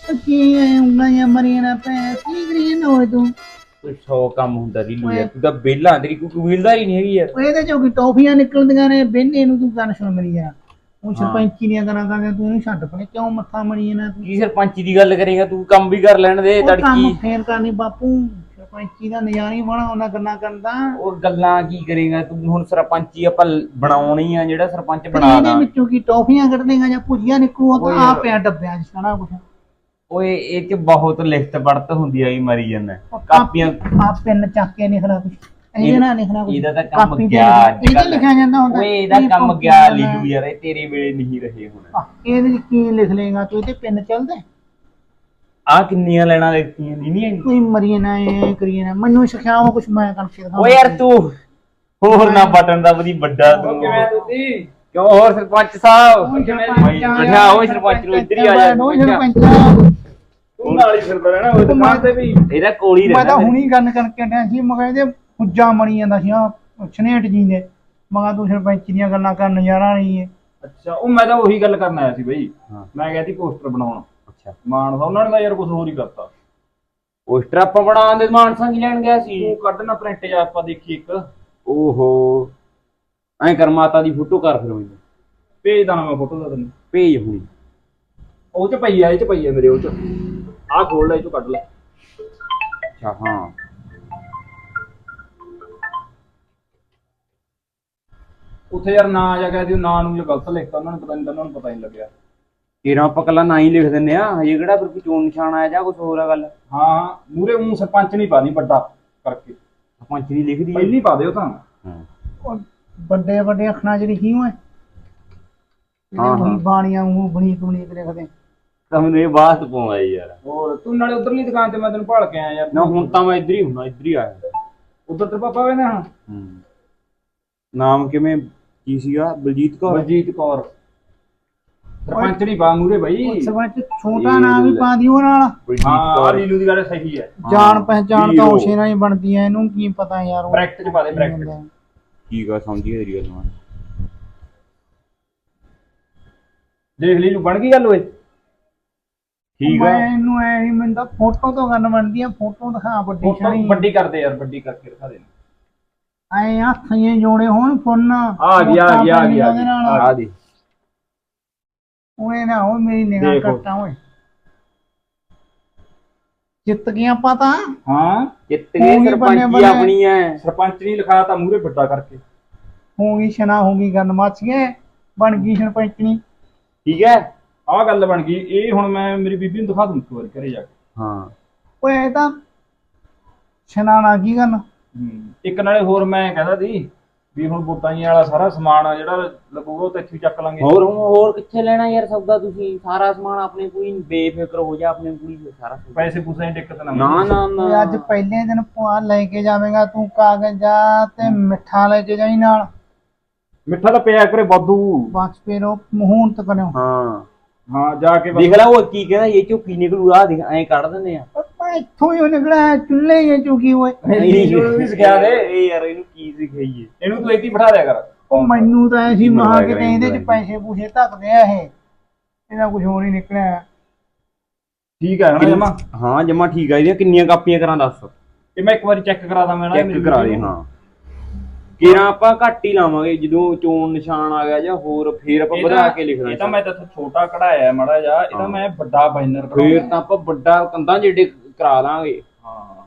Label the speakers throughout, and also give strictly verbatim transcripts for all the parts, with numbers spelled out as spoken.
Speaker 1: ਕੀ ਉਂਗਲਾਂ ਜਾਂ ਮਰੀਆਂ ਨਾ ਪੈ ਕੀ ਕਰੀਏ ਨਾ ਹੋਏ ਤੂੰ
Speaker 2: ਕੋਈ ਸੌ ਕੰਮ ਹੁੰਦਾ ਰੀਲੂ ਯਾਰ, ਤੂੰ ਤਾਂ ਵਿਹਲਾ ਤੇਰੀ ਕੋਈ ਕਬੀਲਦਾਰੀ ਨਹੀਂ ਹੈਗੀ ਯਾਰ।
Speaker 1: ਇਹਦੇ ਚੋਂ ਕੀ ਟੌਫੀਆਂ ਨਿਕਲਦੀਆਂ ਨੇ ਬਹਿੰਦੇ ਨੂੰ ਤੂੰ ਗੱਲ ਸੁਣ ਮੇਰੀ ਯਾਰ। ਉਹ
Speaker 2: ਹਾਂ।
Speaker 1: ਸਰਪੰਚੀ ਦੀਆਂ ਗੱਲਾਂ ਕਰਦੇ ਤੂੰ ਇਹਨੂੰ ਛੱਡ ਪਣੇ ਕਿਉਂ ਮੱਥਾ ਮਣੀ ਇਹਨਾਂ ਤੂੰ
Speaker 2: ਕੀ ਸਰਪੰਚੀ ਦੀ ਗੱਲ ਕਰੇਗਾ ਤੂੰ? ਕੰਮ ਵੀ ਕਰ ਲੈਣ ਦੇ
Speaker 1: ਉਹ ਕੰਮ
Speaker 2: ਤੜਕੀ।
Speaker 1: ਫੇਰ ਕਰਨੀ ਬਾਪੂ ਸਰਪੰਚੀ ਦਾ ਨਜ਼ਾਰਾ ਹੀ ਬਣਾ ਉਹਨਾਂ ਗੱਲਾਂ ਕਰਦਾ।
Speaker 2: ਉਹ ਗੱਲਾਂ ਕੀ ਕਰੇਗਾ ਤੂੰ? ਹੁਣ ਸਰਪੰਚੀ ਆਪਾਂ ਬਣਾਉਣੀ ਆ, ਜਿਹੜਾ ਸਰਪੰਚ ਬਣਾ
Speaker 1: ਇਹਦੇ
Speaker 2: ਦਾਂ।
Speaker 1: ਵਿੱਚੋਂ ਕੀ ਟੌਫੀਆਂ ਕੱਢ ਦੇਗਾ ਜਾਂ ਭੁਜੀਆਂ ਨਿਕਲੂ ਤਾਂ ਆ ਪਿਆ ਡੱਬਿਆਂ 'ਚ ਸਾਰਾ ਕੁਛ।
Speaker 2: ਓਏ ਇਹ ਚ ਬਹੁਤ ਲਿਖਤ ਪੜਤ ਹੁੰਦੀ ਆ, ਮਰੀ ਜਾਂਦਾ ਕਾਪੀਆਂ।
Speaker 1: ਆ ਪੈਨ ਚੱਕ ਕੇ ਲਿਖਣਾ ਕੁਛ ਇਹਦੇ ਨਾਲ ਲਿਖਣਾ ਕੁਛ।
Speaker 2: ਇਹਦਾ ਤਾਂ ਕੰਮ
Speaker 1: ਕਾਪੀ ਤੇ
Speaker 2: ਗਿਆ
Speaker 1: ਇਹਦੇ ਲਿਖਿਆ ਜਾਂਦਾ ਹੁੰਦਾ।
Speaker 2: ਓਏ ਇਹਦਾ ਕੰਮ ਗਿਆ ਲੀਲੂ ਯਾਰ, ਇਹ ਤੇਰੇ ਵੇਲੇ ਨਹੀਂ ਰਹੇ ਹੁਣ।
Speaker 1: ਇਹਦੇ ਵਿੱਚ ਕੀ ਲਿਖ ਲੇਗਾ ਤੂੰ? ਇਹਦੇ ਪੈਨ ਚੱਲਦਾ
Speaker 2: ਆ ਕਿੰਨੀਆਂ ਲੈਣਾ ਲਿਖਤੀਆਂ ਨਹੀਂ ਨਹੀਂ
Speaker 1: ਕੋਈ ਮਰੀਏ ਨਾ ਇਹ ਕਰੀਏ ਨਾ ਮੈਨੂੰ ਸਿਖਾਓ ਕੁਛ ਮੈਂ ਕਰਕੇ ਦਿਖਾਵਾਂ।
Speaker 2: ਓਏ ਯਾਰ ਤੂੰ ਹੋਰ ਨਾ ਬਟਨ ਦਾ ਬੜੀ ਵੱਡਾ ਤੂੰ ਕਿਵੇਂ ਤੁਸੀਂ ਕਿਉਂ? ਹੋਰ ਸਰਪੰਚ ਸਾਹਿਬ ਬਿਠਾ ਓਏ ਸਰਪੰਚ ਨੂੰ ਇੱਧਰ ਹੀ ਆ ਜਾ।
Speaker 3: ਤੂੰ ਨਾਲ ਹੀ ਫਿਰਦਾ ਰਹਿਣਾ ਉਹ ਦੁਕਾਨ ਤੇ ਵੀ।
Speaker 2: ਇਹਦਾ ਕੋਲ ਹੀ
Speaker 1: ਮੈਂ
Speaker 2: ਰਹਿਣਾ।
Speaker 1: ਤਾਂ ਹੁਣੀ ਗੱਲ ਕਰਕੇ ਹਟਿਆ ਸੀ ਮਗਾ ਇਹਦੇ ਪੁੱਜਾ ਮਣੀ ਜਾਂਦਾ ਸੀ ਆ ਸਨੇਟ ਜੀ ਦੇ ਮਗਾ ਤੂੰ ਸਰਪੰਚ ਦੀਆਂ ਗੱਲਾਂ ਕਰਨ ਨਜ਼ਾਰਾ ਨਹੀਂ ਹੈ।
Speaker 3: ਅੱਛਾ ਉਹ ਮੈਂ ਤਾਂ ਉਹੀ ਗੱਲ ਕਰਨ ਆਇਆ ਸੀ ਬਈ।
Speaker 2: ਹਾਂ।
Speaker 3: ਮੈਂ ਗਿਆ ਸੀ ਪੋਸਟਰ ਬਣਾਉਣ।
Speaker 2: ਅੱਛਾ
Speaker 3: ਮਾਨ ਸਾਹਿਬ ਉਹਨਾਂ ਨੇ ਤਾਂ ਯਾਰ ਕੁਝ ਹੋਰ ਹੀ ਕਰਤਾ।
Speaker 2: ਪੋਸਟਰ ਆਪਾਂ ਬਣਾਉਣ ਦੇ ਮਾਨਸਾਂ ਕੀ ਲੈਣ ਗਿਆ ਸੀ?
Speaker 3: ਤੂੰ ਕੱਢ ਨਾ ਪ੍ਰਿੰਟ ਜਾ ਆਪਾਂ ਦੇਖੀ ਇੱਕ।
Speaker 2: ਓਹੋ ਐਂ ਕਰ ਮਾਤਾ ਦੀ ਫੋਟੋ ਕਰ ਫਿਰ ਮੈਨੂੰ
Speaker 3: ਭੇਜ ਦਾਂ ਮੈਂ ਫੋਟੋ ਦਾ ਤੈਨੂੰ।
Speaker 2: ਭੇਜ ਹੁਣੀ।
Speaker 3: ਉਹ ਚ ਪਈ ਆ, ਇਹ ਚ ਪਈ ਆ ਮੇਰੇ ਉਹ ਚ। ਆਹ ਖੋਲ ਲੈ, ਇਹ ਚੋਂ ਕੱਢ ਲੈ।
Speaker 2: ਅੱਛਾ ਹਾਂ
Speaker 3: ਉੱਥੇ ਯਾਰ ਨਾਂ ਆ ਜਾ ਗਿਆ ਸੀ, ਉਹ ਨਾਂ ਨੂੰ ਜੇ ਗਲਤ ਲਿਖਤਾ ਉਹਨਾਂ ਨੇ, ਪਤਾ ਨਹੀਂ ਉਹਨਾਂ ਨੂੰ ਪਤਾ ਨਹੀਂ ਲੱਗਿਆ।
Speaker 2: ਤੇਰਾ ਆਪਾਂ ਕੱਲਾ ਨਾ ਹੀ ਲਿਖ ਦਿੰਦੇ ਆ ਹਜੇ ਕਿਹੜਾ ਫਿਰ ਕੋਈ ਚੋਣ ਨਿਸ਼ਾਨ ਆਇਆ ਜਾਂ ਕੁਝ ਹੋਰ ਆ ਗੱਲ?
Speaker 3: ਹਾਂ ਮੂਰੇ ਉਹ ਸਰਪੰਚ ਨਹੀਂ ਪਾਦੀ ਵੱਡਾ ਕਰਕੇ,
Speaker 2: ਸਰਪੰਚ ਦੀ ਲਿਖਦੀ
Speaker 3: ਪਹਿਲੀ ਪਾ ਦਿਓ ਤਾਂ।
Speaker 1: ਉਹ ਵੱਡੇ ਵੱਡੇ ਅੱਖਰਾਂ ਚ ਲਿਖੀ ਹੋਏ
Speaker 2: ਹਾਂ,
Speaker 1: ਉਹੀ
Speaker 2: ਹਾਂ।
Speaker 1: ਬਾਣੀਆਂ ਨੂੰ ਬਣੀ ਬਣੀ ਲਿਖਦੇ।
Speaker 2: ਤਾਂ ਮੈਨੂੰ ਇਹ ਬਾਤ ਪਵਾਉਂਦਾ ਯਾਰ।
Speaker 3: ਹੋਰ ਤੂੰ ਨਾਲੇ ਉਧਰਲੀ ਦੁਕਾਨ ਤੇ ਮੈਂ ਤੈਨੂੰ ਭਾਲ ਕੇ ਆਇਆ ਯਾਰ।
Speaker 2: ਨਾ ਹੁਣ ਤਾਂ ਮੈਂ ਇੱਧਰ ਹੀ ਹੁੰਦਾ, ਇੱਧਰ ਹੀ ਆਇਆ।
Speaker 3: ਉਧਰ ਤੇ ਪਾਪਾ ਵੇ ਨਾ।
Speaker 2: ਹੂੰ ਨਾਮ ਕਿਵੇਂ ਕੀ ਸੀਗਾ? ਬਲਜੀਤ ਕੌਰ।
Speaker 3: ਬਲਜੀਤ ਕੌਰ ਸਰਪੰਚ ਨਹੀਂ ਪਾ ਮੂਰੇ ਬਈ।
Speaker 1: ਸਰਪੰਚ ਛੋਟਾ ਨਾਮ ਵੀ ਪਾ ਦਿਓ ਨਾਲ।
Speaker 2: ਬਲਜੀਤ
Speaker 3: ਹਾਂ
Speaker 2: ਕੌਰ
Speaker 3: ਲੀਲੂ ਦੀ ਗੱਲ ਸਹੀ ਹੈ।
Speaker 1: ਜਾਣ ਪਹਿਚਾਣ ਤਾਂ
Speaker 2: ਵੀਰੋ।
Speaker 1: ਉਸੇ ਨਾਲ ਹੀ ਬਣਦੀ ਹੈ, ਇਹਨੂੰ ਕੀ ਪਤਾ ਯਾਰ। ਉਹ
Speaker 3: ਬ੍ਰੈਕਟ ਚ ਪਾ ਦੇ ਬ੍ਰੈਕਟ।
Speaker 2: ਠੀਕ ਆ, ਸਮਝੀ ਤੇਰੀ ਗੱਲ ਮੈਂ।
Speaker 3: ਦੇਖ ਲੀਲੂ ਬਣ ਗਈ ਗੱਲ ਓਏ।
Speaker 2: ਠੀਕ ਆ।
Speaker 1: ਮੈਂ ਇਹਨੂੰ ਐ ਹੀ ਮੈਨੂੰ ਤਾਂ ਫੋਟੋ ਤੋਂ ਗੱਲ ਬਣਦੀ ਆ। ਫੋਟੋ ਦਿਖਾ ਵੱਡੀ
Speaker 3: ਫੋਟੋ
Speaker 1: ਸ਼ਾਨੀ
Speaker 3: ਵੱਡੀ ਕਰਦੇ ਯਾਰ, ਵੱਡੀ ਕਰਕੇ ਦਿਖਾ ਦੇ।
Speaker 1: ਐ ਹੱਥ ਜੇ ਜੋੜੇ ਹੋਣ ਫੁੰਨ
Speaker 3: ਆ ਗਈ ਆ ਗਈ ਆ ਗਈ ਆ ਗਈ
Speaker 2: ਆ ਦੀ
Speaker 1: ਉਹਨੇ ਨਾ ਉਹ ਮੇਰੀ ਨਿਗਾਹ
Speaker 3: ਦੇਖੋ।
Speaker 1: ਕੱਟਾ ਓਏ। ਜਿੱਤ ਗਏ ਆਪਾਂ ਤਾਂ।
Speaker 3: ਹਾਂ
Speaker 2: ਜਿੱਤ
Speaker 1: ਹੋ
Speaker 2: ਗਏ,
Speaker 1: ਗਈ
Speaker 2: ਸਰਪੰਚੀ
Speaker 1: ਬੰਨੇ ਬੰਨੇ।
Speaker 2: ਆਪਣੀ ਐ।
Speaker 3: ਸਰਪੰਚ ਨਹੀਂ ਲਿਖਾਇਆ ਤਾਂ ਮੂਰੇ ਵੱਡਾ ਕਰਕੇ।
Speaker 1: ਹੋ ਗਈ ਸ਼ਨਾ ਹੋ ਗਈ ਗੱਲ ਮੱਚ ਗਏ ਬਣ ਗਈ ਸਰਪੰਚਣੀ।
Speaker 2: ਠੀਕ ਹੈ।
Speaker 3: ਆਹ ਗੱਲ ਬਣ ਗਈ। ਇਹ ਹੁਣ ਮੈਂ ਮੇਰੀ ਬੀਬੀ ਨੂੰ ਦਿਖਾ ਦੂੰ ਇੱਕ ਵਾਰੀ ਘਰੇ ਜਾ ਕੇ।
Speaker 2: ਹਾਂ
Speaker 1: ਓਏ ਇਹ ਤਾਂ ਸ਼ਨਾ ਨਾ ਕੀ ਗੱਲ।
Speaker 3: ਹੂੰ ਇੱਕ ਨਾਲੇ ਹੋਰ ਮੈਂ ਕਹਿੰਦਾ ਸੀ ਵੀ ਹੁਣ ਵੋਟਾਂ ਜੀ ਵਾਲਾ ਸਾਰਾ ਸਮਾਨ ਆ ਜਿਹੜਾ ਲੱਗੂਗਾ ਉਹ ਤਾਂ ਇੱਥੇ ਹੀ ਚੱਕ ਲਾਂਗੇ।
Speaker 2: ਹੋਰ ਹੁਣ ਹੋਰ ਕਿੱਥੇ ਲੈਣਾ ਯਾਰ ਸੌਦਾ? ਤੁਸੀਂ ਸਾਰਾ ਸਮਾਨ ਆਪਣੇ ਕੋਈ ਬੇਫਿਕਰ ਹੋ ਜਾ, ਆਪਣੇ ਕੋਈ ਸਾਰਾ ਸੌਦਾ।
Speaker 3: ਪੈਸੇ ਪੂਸੇ ਦੀ ਦਿੱਕਤ ਨਾ
Speaker 2: ਨਾ ਨਾ
Speaker 1: ਓਏ
Speaker 2: ਨਾ
Speaker 1: ਅੱਜ ਪਹਿਲੇ ਦਿਨ ਪੁਆ ਲੈ ਕੇ ਜਾਵੇਂਗਾ ਤੂੰ ਕਾਗਜ਼ਾ ਤੇ ਮਿੱਠਾ ਲੈ ਕੇ ਜਾਈ ਨਾਲ।
Speaker 3: ਮਿੱਠਾ ਤਾਂ ਪਿਆ ਕਰੇ ਵਾਧੂ।
Speaker 1: ਬਸ ਫਿਰ ਉਹ ਮਹੂਨਤ ਕਰਿਓ।
Speaker 2: ਹਾਂ
Speaker 3: ਹਾਂ ਜਾ ਕੇ
Speaker 2: ਦੇਖ ਲੈ ਉਹ ਕੀ ਕਹਿੰਦਾ, ਇਹ ਚੋਂ ਕੀ ਨਿਕਲੂ? ਆ ਦੇਖ ਐਂ ਕੱਢ ਦਿੰਦੇ ਆ।
Speaker 1: ਆਪਾਂ ਇੱਥੋਂ ਹੀ ਉਹ ਨਿਕਲਿਆ ਚੁੱਲ੍ਹੇ ਹੀ ਚੁਕੀ ਓਏ।
Speaker 3: ਇਹਨੂੰ ਵੀ ਸਿਖਾ ਦੇ।
Speaker 2: ਇਹ ਯਾਰ ਇਹਨੂੰ ਕੀ ਸਿਖਾਈਏ?
Speaker 3: ਇਹਨੂੰ ਤੂੰ ਇੱਥੇ ਹੀ ਬਿਠਾ ਦਿਆ ਕਰ।
Speaker 1: ਉਹ ਮੈਨੂੰ ਤਾਂ ਐਸੀ
Speaker 2: ਮੈਨੂੰ
Speaker 1: ਮਹਾ
Speaker 2: ਲੱਗ
Speaker 1: ਕਿਤੇ
Speaker 2: ਰਿਹਾ
Speaker 1: ਇਹਦੇ ਚ
Speaker 2: ਮੈਨੂੰ
Speaker 1: ਪੈਸੇ ਪੂਸੇ ਧੱਕਦੇ ਆ ਇਹ। ਇਹਦਾ ਕੁਝ ਹੋਰ ਹੀ ਨਿਕਲਿਆ।
Speaker 3: ਠੀਕ ਹੈ ਨਾ ਜਮਾ।
Speaker 2: ਹਾਂ ਜਮਾ ਠੀਕ ਆ। ਇਹਦੀਆਂ ਕਿੰਨੀਆਂ ਕਾਪੀਆਂ ਕਰਾਂ ਦੱਸ?
Speaker 3: ਇਹ ਮੈਂ ਇੱਕ ਵਾਰੀ ਚੈੱਕ ਕਰਾ ਦਾਂ ਮੈਂ ਨਾ
Speaker 2: ਚੈੱਕ ਕਰਾ ਦੇ। ਹਾਂ ਕਿਰਾਂ ਆਪਾਂ ਘੱਟ ਹੀ ਲਾਵਾਂਗੇ, ਜਦੋਂ ਚੋਣ ਨਿਸ਼ਾਨ ਆ ਗਿਆ ਜਾਂ ਹੋਰ ਫੇਰ ਆਪਾਂ ਵਧਾ ਕੇ ਲਿਖਣਾ।
Speaker 3: ਇਹ ਤਾਂ ਮੈਂ ਤਾਂ ਛੋਟਾ ਕਢਾਇਆ ਮਾੜਾ ਜਿਹਾ, ਇਹ ਤਾਂ ਮੈਂ ਵੱਡਾ ਬਾਈਨਰ
Speaker 2: ਫੇਰ ਤਾਂ ਆਪਾਂ ਵੱਡਾ ਕੰਧਾਂ ਜਿਹੜੇ ਕਰਾ ਦਾਂਗੇ।
Speaker 3: ਹਾਂ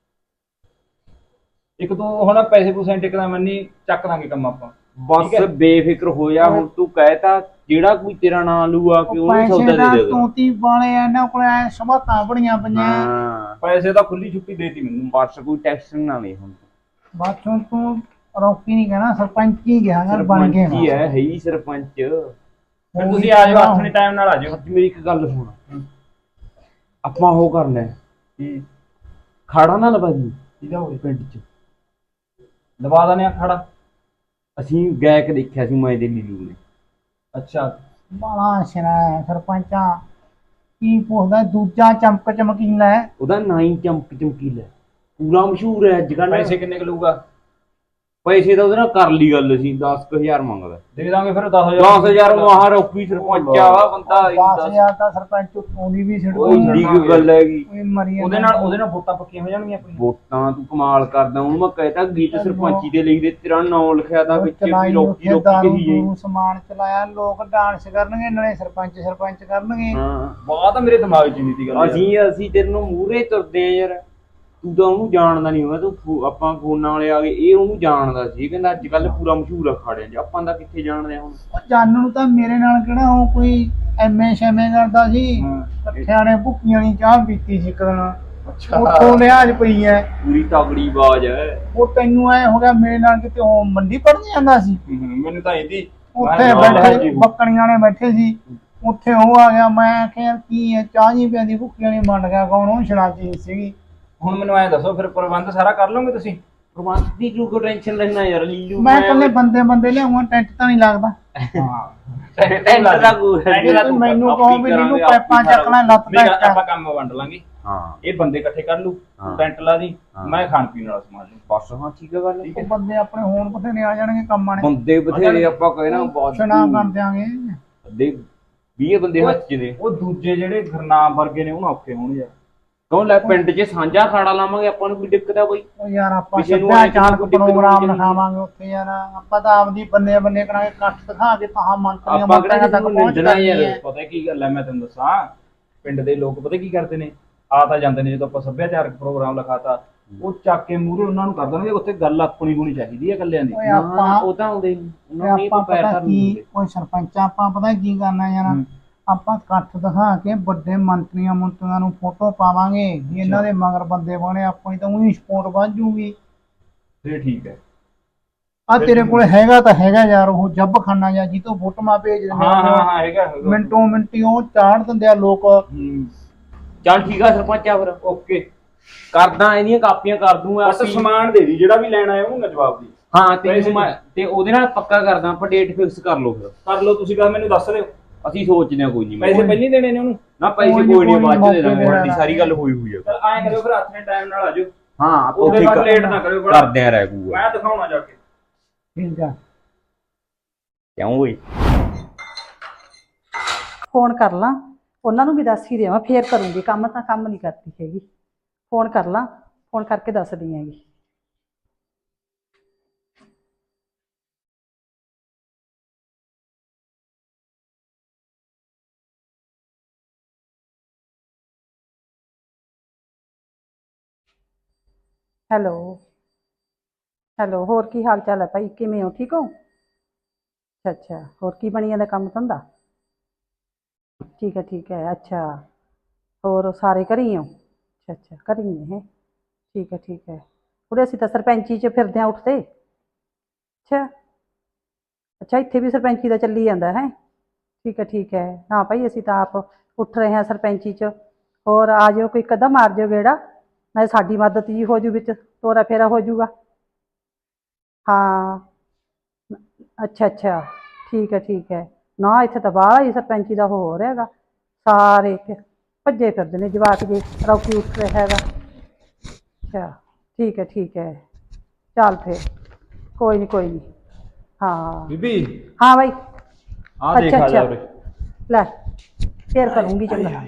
Speaker 3: ਇੱਕ ਤੋਂ ਹੁਣ ਪੈਸੇ ਪੂਸੇ ਟਿਕਦਾ ਮੰਨੀ ਚੱਕ ਦਾਂਗੇ ਕੰਮ ਆਪਾਂ।
Speaker 2: ਬਸ ਬੇਫਿਕਰ ਹੋ ਜਾ। ਹੁਣ ਤੂੰ ਕਹਿਤਾ ਜਿਹੜਾ ਕੋਈ ਤੇਰਾ ਨਾਂ ਲੂਆ ਕਿ ਉਹਨੂੰ
Speaker 1: ਪੈਸੇ
Speaker 2: ਸੌਦਾ
Speaker 1: ਦਾ
Speaker 2: ਦੇ ਦੇ।
Speaker 1: ਤੋਤੀ ਵਾਲੇ ਆ ਇਹਨਾਂ ਕੋਲ ਐ ਸਮਾਤਾਂ ਬੜੀਆਂ ਪਈਆਂ।
Speaker 2: ਹਾਂ
Speaker 3: ਪੈਸੇ ਤਾਂ ਖੁੱਲੀ ਛੁੱਟੀ ਦੇਤੀ ਮੈਨੂੰ।
Speaker 2: ਬਸ ਕੋਈ ਟੈਕਸ ਨਾ ਵੇ ਹੁਣ।
Speaker 1: ਬਾਥੋਂ ਤੂੰ ਰੌਕੀ ਨਹੀਂ ਕਹਿਣਾ ਸਰਪੰਚ ਹੀ ਗਿਆ ਯਾਰ ਬਣ ਕੇ।
Speaker 2: ਕੀ ਹੈ ਹੈ ਹੀ ਸਰਪੰਚ।
Speaker 3: ਫਿਰ ਤੁਸੀਂ ਆ ਜਾਓ ਆਪਣੇ ਟਾਈਮ ਨਾਲ ਆ ਜਾਓ।
Speaker 2: ਅੱਜ ਮੇਰੀ ਇੱਕ ਗੱਲ ਸੁਣ, ਆਪਾਂ ਉਹ ਕਰਨਾ
Speaker 3: ਕੀ
Speaker 2: ਖਾੜਾ ਨਾ ਲਵਾ ਦੀ
Speaker 3: ਇਹਦਾ ਹੋਏ
Speaker 2: ਪਿੰਡ ਚ।
Speaker 3: ਦਬਾ ਦਨੇ ਆ ਖੜਾ।
Speaker 2: ਅਸੀਂ ਗਾਇਕ ਦੇਖਿਆ ਸੀ ਮੈਂ ਤੇ ਲੀਲੂ ਨੇ।
Speaker 3: ਅੱਛਾ
Speaker 1: ਬਾਲਾ ਸ਼ਰਾ ਸਰਪੰਚਾ ਕੀ ਪੁੱਛਦਾ ਦੂਜਾ ਚਮਕ ਚਮਕੀਲਾ ਹੈ।
Speaker 2: ਉਹਦਾ ਨਾਂ ਹੀ ਚਮਕ ਚਮਕੀਲਾ, ਪੂਰਾ ਮਸ਼ਹੂਰ ਹੈ ਅੱਜ ਕੱਲ।
Speaker 3: ਪੈਸੇ ਕਿੰਨੇ ਕੁ ਲਊਗਾ?
Speaker 2: ਪੈਸੇ ਤਾਂ ਉਹਦੇ ਨਾਲ ਕਰ ਲਈ ਗੱਲ ਸੀ ਦਸ ਕੁ ਹਜ਼ਾਰ ਮੰਗਦਾ
Speaker 3: ਦੇ ਦਾਂਗੇ ਫਿਰ ਦਸ ਹਜ਼ਾਰ
Speaker 2: ਦਸ ਹਜ਼ਾਰ ਮਹਾਰ ਔਖੀ ਸਰਪੰਚ ਆ ਬੰਦਾ
Speaker 1: ਦਸ ਹਜ਼ਾਰ ਦਾ ਸਰਪੰਚ ਉੱਤੋਂ ਦੀ ਵੀ ਸਿੱਟ
Speaker 2: ਕੋਈ ਏਡੀ ਕੀ ਗੱਲ ਹੈਗੀ
Speaker 1: ਕੋਈ ਮਰੀ
Speaker 3: ਉਹਦੇ ਨਾਲ ਉਹਦੇ ਨਾਲ ਵੋਟਾਂ ਪੱਕੀਆਂ ਹੋ ਜਾਣਗੀਆਂ ਆਪਣੀਆਂ।
Speaker 2: ਵੋਟਾਂ ਤੂੰ ਕਮਾਲ ਕਰਦਾ ਉਹਨੂੰ ਮੈਂ ਕਹਿਤਾ ਗੀਤ ਸਰਪੰਚੀ ਦੇ ਲਿਖਦੇ ਤੇਰਾ ਨਾਂ ਲਿਖਿਆ ਤਾਂ ਵਿੱਚ ਵੀ
Speaker 1: ਚਲਾਈ
Speaker 2: ਰੋਕੀ
Speaker 1: ਉੱਥੇ
Speaker 2: ਰੋਕੀ
Speaker 1: ਦਾਰੂ
Speaker 2: ਕਹੀ ਜਾਈ
Speaker 1: ਦੂਰੂ ਸਮਾਨ ਚਲਾਇਆ ਲੋਕ ਡਾਂਸ ਕਰਨਗੇ ਨਾਲੇ ਸਰਪੰਚ ਸਰਪੰਚ ਕਰਨਗੇ।
Speaker 2: ਹਾਂ
Speaker 3: ਬਾਤ ਤਾਂ ਮੇਰੇ ਦਿਮਾਗ 'ਚ ਨਹੀਂ ਸੀ ਗੱਲ ਯਾਰ।
Speaker 2: ਅਸੀਂ ਅਸੀਂ ਤੇਰੇ ਨੂੰ ਮੂਹਰੇ ਤੁਰਦੇ ਆ ਯਾਰ ਤੂੰ ਤਾਂ ਉਹਨੂੰ ਜਾਣਦਾ ਨਹੀਂ ਹੋਇਆ ਤੂੰ ਫੋ- ਆਪਾਂ ਫੋਨਾਂ ਵਾਲੇ ਆ ਗਏ ਇਹ ਉਹਨੂੰ ਜਾਣਦਾ ਸੀ ਕਹਿੰਦਾ ਅੱਜ ਕੱਲ ਪੂਰਾ ਮਸ਼ਹੂਰ ਆ ਖਾੜਿਆਂ 'ਚ ਆਪਾਂ ਦਾ ਕਿੱਥੇ ਜਾਣਦੇ ਆ ਹੁਣ
Speaker 1: ਉਹ ਜਾਣਨ ਨੂੰ ਤਾਂ ਮੇਰੇ ਨਾਲ ਕਿਹੜਾ ਉਹ ਕੋਈ ਐਮਏ ਸ਼ੈਮੇ ਕਰਦਾ ਸੀ
Speaker 3: ਹਾਂ।
Speaker 1: ਇਕੱਠਿਆਂ ਨੇ ਭੁੱਕੀਆਂ ਦੀ ਚਾਹ ਪੀਤੀ ਸੀ ਇੱਕ ਦਿਨ
Speaker 3: ਅੱਛਾ
Speaker 1: ਉੱਥੋਂ ਲਿਹਾਜ਼ ਪਈ ਐ।
Speaker 2: ਪੂਰੀ ਤਗੜੀ ਆਵਾਜ਼ ਹੈ
Speaker 1: ਉਹ ਤੈਨੂੰ ਐ ਹੋ ਗਿਆ ਮੇਰੇ ਨਾਲ ਕਿਤੇ ਉਹ ਮੰਡੀ ਪੜਨ ਜਾਂਦਾ ਸੀ
Speaker 3: ਹਮ, ਮੈਨੂੰ ਤਾਂ ਇਹਦੀ
Speaker 1: ਉੱਥੇ
Speaker 3: ਮੈਂ ਨਾਲ
Speaker 1: ਬੈਠੇ
Speaker 3: ਜੀ।
Speaker 1: ਬੱਕਣੀਆਂ ਨੇ ਬੈਠੇ ਸੀ ਉੱਥੇ ਉਹ ਆ ਗਿਆ ਮੈਂ ਆਖਿਆ ਕੀ ਹੈ ਚਾਹ ਜੀ ਪਿਆਦੀ ਭੁੱਖੀਆਂ ਨਹੀਂ ਮੰਨ ਗਿਆ ਕੌਣ ਉਹ ਸ਼ਰਾਬੀ ਸੀਗੀ।
Speaker 3: ਹੁਣ ਮੈਨੂੰ ਐਂ ਦੱਸੋ ਫਿਰ ਪ੍ਰਬੰਧ ਸਾਰਾ ਕਰ ਲਓਗੇ ਤੁਸੀਂ?
Speaker 2: ਪ੍ਰਬੰਧ ਦੀ ਕਿਉਂ ਕੋ ਟੈਨਸ਼ਨ ਲੈਣਾ ਯਾਰ ਲੀਲੂ
Speaker 1: ਮੈਂ ਇਕੱਲੇ ਬੰਦੇ ਬੰਦੇ ਲਿਆਉਂਗਾ ਟੈਂਟ ਤਾਂ ਨਹੀਂ ਲੱਗਦਾ।
Speaker 3: ਹਾਂ
Speaker 2: ਟੈਂਟ ਦਾ ਕੋਈ
Speaker 1: ਤੁਸੀਂ ਮੈਨੂੰ ਕਹੋ ਵੀ ਲੀਲੂ ਪੈਪਾਂ ਚੱਕਣਾ ਲੱਤ
Speaker 3: ਮੇਰਾ
Speaker 1: ਪੈਕ
Speaker 3: ਆਪਾਂ ਕੰਮ ਵੰਡ ਲਾਂਗੇ।
Speaker 2: ਹਾਂ
Speaker 3: ਇਹ ਬੰਦੇ ਇਕੱਠੇ ਕਰ ਲੂ
Speaker 2: ਹਾਂ।
Speaker 3: ਟੈਂਟ ਲਾ ਦੀ
Speaker 2: ਹਾਂ।
Speaker 3: ਮੈਂ ਖਾਣ ਪੀਣ ਵਾਲਾ ਸਮਾਨ ਲੂ
Speaker 2: ਬਸ ਹਾਂ ਠੀਕ ਹੈ ਗੱਲ
Speaker 1: ਉਹ ਬੰਦੇ ਆਪਣੇ ਹੋਣ ਬਥੇਰੇ ਆ ਜਾਣਗੇ ਕੰਮਾਂ ਨੇ
Speaker 2: ਬੰਦੇ ਬਥੇਰੇ ਆਪਾਂ ਕਹੇ ਨਾ ਬਹੁਤ
Speaker 1: ਸੁਣਾ ਕਰ ਦਿਆਂਗੇ।
Speaker 2: ਅੱਧੇ ਵੀਹ ਬੰਦੇ ਹੱਥ ਚ ਦੇ
Speaker 3: ਉਹ ਦੂਜੇ ਜਿਹੜੇ ਗੁਰਨਾਮ ਵਰਗੇ ਨੇ ਉਹਨਾਂ ਔਖੇ ਹੋਣ ਯਾਰ।
Speaker 2: ਕਹੋ ਲੈ ਪਿੰਡ 'ਚ ਸਾਂਝਾ ਖਾੜਾ ਲਾਵਾਂਗੇ ਆਪਾਂ ਨੂੰ ਕੋਈ ਦਿੱਕਤ ਆ ਬਈ
Speaker 1: ਉਹ ਯਾਰ ਆਪਾਂ
Speaker 2: ਕਿਸੇ ਨੂੰ
Speaker 1: ਸੱਭਿਆਚਾਰ
Speaker 2: ਕੋਈ ਦਿੱਕਤ
Speaker 1: ਪ੍ਰੋਗਰਾਮ
Speaker 2: ਨਹੀਂ
Speaker 1: ਲਿਖਾਵਾਂਗੇ ਉੱਥੇ ਯਾਰ ਆਪਾਂ ਤਾਂ ਆਪਦੀ ਬੰਦੇ ਬੰਦੇ ਕਰਾਂਗੇ ਇਕੱਠ ਦਿਖਾ ਕੇ ਤਾਂ ਮੰਤਰੀਆਂ
Speaker 2: ਆਪਾਂ ਕਿਹੜਾ
Speaker 1: ਮੰਤਰੀਆਂ ਤੱਕ
Speaker 2: ਕਿਸੇ ਨੂੰ
Speaker 1: ਪਹੁੰਚ
Speaker 2: ਨਿੰਦਣਾ
Speaker 1: ਜਾਣੀ
Speaker 2: ਯਾਰ।
Speaker 1: ਹੈ।
Speaker 3: ਪਤਾ ਕੀ ਗੱਲ ਹੈ ਮੈਂ ਤੈਨੂੰ ਦੱਸਾਂ ਪਿੰਡ ਦੇ ਲੋਕ ਪਤਾ ਕੀ ਕਰਦੇ ਨੇ ਆ ਤਾਂ ਜਾਂਦੇ ਨੇ ਜਦੋਂ ਆਪਾਂ ਸੱਭਿਆਚਾਰਕ ਪ੍ਰੋਗਰਾਮ ਲਿਖਾਤਾ ਉਹ ਚੱਕ ਕੇ ਮੂਹਰੇ ਉਹਨਾਂ ਨੂੰ ਕਰ ਦੇਣਗੇ ਉੱਥੇ ਗੱਲ ਆਪਣੀ ਹੋਣੀ ਚਾਹੀਦੀ ਹੈ ਇਕੱਲਿਆਂ ਦੀ।
Speaker 1: ਓਏ
Speaker 2: ਨਾ,
Speaker 1: ਆਪਾਂ
Speaker 2: ਉਹ ਤਾਂ ਆਉਂਦੇ ਨੀ। ਉਹਨਾਂ ਨੇ
Speaker 1: ਆਪਾਂ
Speaker 2: ਪੈਰ
Speaker 1: ਪਤਾ
Speaker 2: ਧਰਨ
Speaker 1: ਕੀ
Speaker 2: ਦਿੰਦੇ।
Speaker 1: ਕੋਈ ਸਰਪੰਚ ਆਪਾਂ ਪਤਾ ਕੀ ਕਰਨਾ ਯਾਰ
Speaker 3: ਹੂੰ।
Speaker 1: ਆਪਾਂ ਇਕੱਠ ਦਿਖਾ ਕੇ ਵੱਡੇ ਮੰਤਰੀਆਂ ਮੰਤਰੀਆਂ ਨੂੰ ਫੋਟੋ ਪਾਵਾਂਗੇ ਵੀ ਇਹਨਾਂ ਦੇ ਮਗਰ ਬੰਦੇ ਬਣੇ ਆਪਣੀ ਤਾਂ ਉਹੀ ਸਪੋਰਟ ਵੱਧ ਜੂਗੀ।
Speaker 3: ਫਿਰ ਠੀਕ ਹੈ।
Speaker 1: ਆ ਤੇਰੇ ਕੋਲ ਹੈਗਾ ਤਾਂ ਹੈਗਾ ਯਾਰ ਉਹ ਜੱਬ ਖਾਨਾ ਜਾਂ ਜੀ ਤੋਂ ਫੋਟੋਆਂ ਭੇਜ ਦਿੰਦੇ
Speaker 3: ਹਾਂ ਹਾਂ
Speaker 1: ਆ।
Speaker 3: ਹਾਂ ਹੈਗਾ ਹੈਗਾ।
Speaker 1: ਮਿੰਟੋ ਮਿੰਟੀ ਉਹ ਚਾੜ ਦਿੰਦੇ ਆ ਲੋਕ।
Speaker 3: ਹੂੰ
Speaker 2: ਚੱਲ ਠੀਕ ਆ ਸਰਪੰਚ ਆ ਫਿਰ
Speaker 3: ਓਕੇ
Speaker 2: ਕਰਦਾ ਇਹਦੀਆਂ ਕਾਪੀਆਂ ਕਰ ਦੂੰਗਾ
Speaker 3: ਬਸ ਸਮਾਨ ਦੇ ਦੀ ਜਿਹੜਾ ਵੀ ਲੈਣਾ ਹੈ ਉਹਨੂੰ ਮੈਂ ਜਵਾਬ ਦੀ
Speaker 2: ਹਾਂ ਤੇ ਮੈਂ ਤੇ ਉਹਦੇ ਨਾਲ ਪੱਕਾ ਕਰਦਾ ਆਪਾਂ ਡੇਟ ਫਿਕਸ ਕਰ ਲਓ ਫਿਰ
Speaker 3: ਕਰ ਲਓ ਤੁਸੀਂ ਗੱਲ ਮੈਨੂੰ ਦੱਸ ਦਿਓ।
Speaker 2: ਅਸੀਂ ਸੋਚਦੇ ਹਾਂ ਕੋਈ ਨਹੀਂ
Speaker 3: ਪੈਸੇ ਪਹਿਲਾਂ ਹੀ ਦੇਣੇ ਨੇ ਉਹਨੂੰ?
Speaker 2: ਨਾ ਪੈਸੇ
Speaker 1: ਕੋਈ ਨੀ,
Speaker 2: ਕੋਈ ਨਹੀਂ
Speaker 1: ਕੋਈ ਨੀ,
Speaker 2: ਬਾਅਦ ਚ ਦੇ ਦਾਂਗੇ
Speaker 1: ਮੌਕੇ ਤੇ
Speaker 2: ਸਾਡੀ ਸਾਰੀ ਗੱਲ ਹੋਈ ਹੋਈ ਆ
Speaker 3: ਚਲ ਐਂ ਕਰਿਓ ਫਿਰ ਆਪਣੇ ਟਾਈਮ ਨਾਲ ਆ ਜਾਓ।
Speaker 2: ਹਾਂ ਆਪਾਂ
Speaker 3: ਉਹਦੇ
Speaker 2: ਠੀਕ
Speaker 3: ਬਾਅਦ ਲੇਟ
Speaker 2: ਆ
Speaker 3: ਨਾ ਕਰਿਓ ਬੜਾ।
Speaker 2: ਕਰਦੇ ਆ ਰਹਿ ਗੂਗਾ
Speaker 3: ਮੈਂ ਦਿਖਾਉਣਾ ਜਾ ਕੇ।
Speaker 1: ਠੀਕ ਆ
Speaker 2: ਕਿਉਂ ਓਏ
Speaker 4: ਫੋਨ ਕਰ ਲਾਂ ਉਹਨਾਂ ਨੂੰ ਵੀ ਦੱਸ ਹੀ ਦੇਵਾਂ ਫੇਰ ਕਰੂੰਗੀ ਕੰਮ ਤਾਂ ਕੰਮ ਨਹੀਂ ਕਰਦੀ ਹੈਗੀ। ਫੋਨ ਕਰ ਲਾਂ ਫੋਨ ਕਰਕੇ ਦੱਸਦੀ ਹੈਗੀ। ਹੈਲੋ ਹੈਲੋ ਹੋਰ ਕੀ ਹਾਲ ਚਾਲ ਹੈ ਭਾਈ ਕਿਵੇਂ ਹੋ ਠੀਕ ਹੋ? ਅੱਛਾ ਅੱਛਾ ਹੋਰ ਕੀ ਬਣੀ ਜਾਂਦਾ ਕੰਮ ਧੰਦਾ? ਠੀਕ ਹੈ ਠੀਕ ਹੈ ਅੱਛਾ ਹੋਰ ਸਾਰੇ ਘਰੇ ਹੀ ਹੋ? ਅੱਛਾ ਅੱਛਾ ਘਰੇ ਹੀ ਨੇ ਹੈ ਠੀਕ ਹੈ ਠੀਕ ਹੈ ਉਰੇ ਅਸੀਂ ਤਾਂ ਸਰਪੰਚੀ 'ਚ ਫਿਰਦੇ ਹਾਂ ਉੱਠਦੇ। ਅੱਛਾ ਅੱਛਾ ਇੱਥੇ ਵੀ ਸਰਪੰਚੀ ਦਾ ਚੱਲੀ ਜਾਂਦਾ ਹੈ ਠੀਕ ਹੈ ਠੀਕ ਹੈ ਹਾਂ ਭਾਈ ਅਸੀਂ ਤਾਂ ਆਪ ਉੱਠ ਰਹੇ ਹਾਂ ਸਰਪੰਚੀ 'ਚ। ਹੋਰ ਆ ਜਾਓ ਕੋਈ ਕਦਮ ਮਾਰ ਜਾਓ ਗੇੜਾ ਨਾਲੇ ਸਾਡੀ ਮਦਦ ਜੀ ਹੋ ਜੂ ਵਿੱਚ ਤੋਰਾ ਫੇਰਾ ਹੋ ਜੂਗਾ। ਹਾਂ ਅੱਛਾ ਅੱਛਾ ਠੀਕ ਹੈ ਠੀਕ ਹੈ ਨਾ ਇੱਥੇ ਤਾਂ ਬਾਹਲਾ ਹੀ ਸਰਪੰਚੀ ਦਾ ਹੋ ਰਿਹਾ ਹੈਗਾ ਸਾਰੇ ਭੱਜੇ ਫਿਰਦੇ ਨੇ ਜਵਾਕ ਜੇ ਰੌਕੀ ਉੱਠ ਰਿਹਾ ਹੈਗਾ। ਅੱਛਾ ਠੀਕ ਹੈ ਠੀਕ ਹੈ ਚੱਲ ਫਿਰ ਕੋਈ ਨਹੀਂ ਕੋਈ ਨਹੀਂ ਹਾਂ
Speaker 3: ਬੀਬੀ
Speaker 4: ਹਾਂ ਬਾਈ
Speaker 3: ਆ ਦੇਖ
Speaker 4: ਅੱਛਾ,
Speaker 3: ਆ ਜਾ
Speaker 4: ਅੱਛਾ।
Speaker 3: ਉਰੇ।
Speaker 4: ਲੈ ਫੇਰ ਕਰੂੰਗੀ ਚੰਗਾ।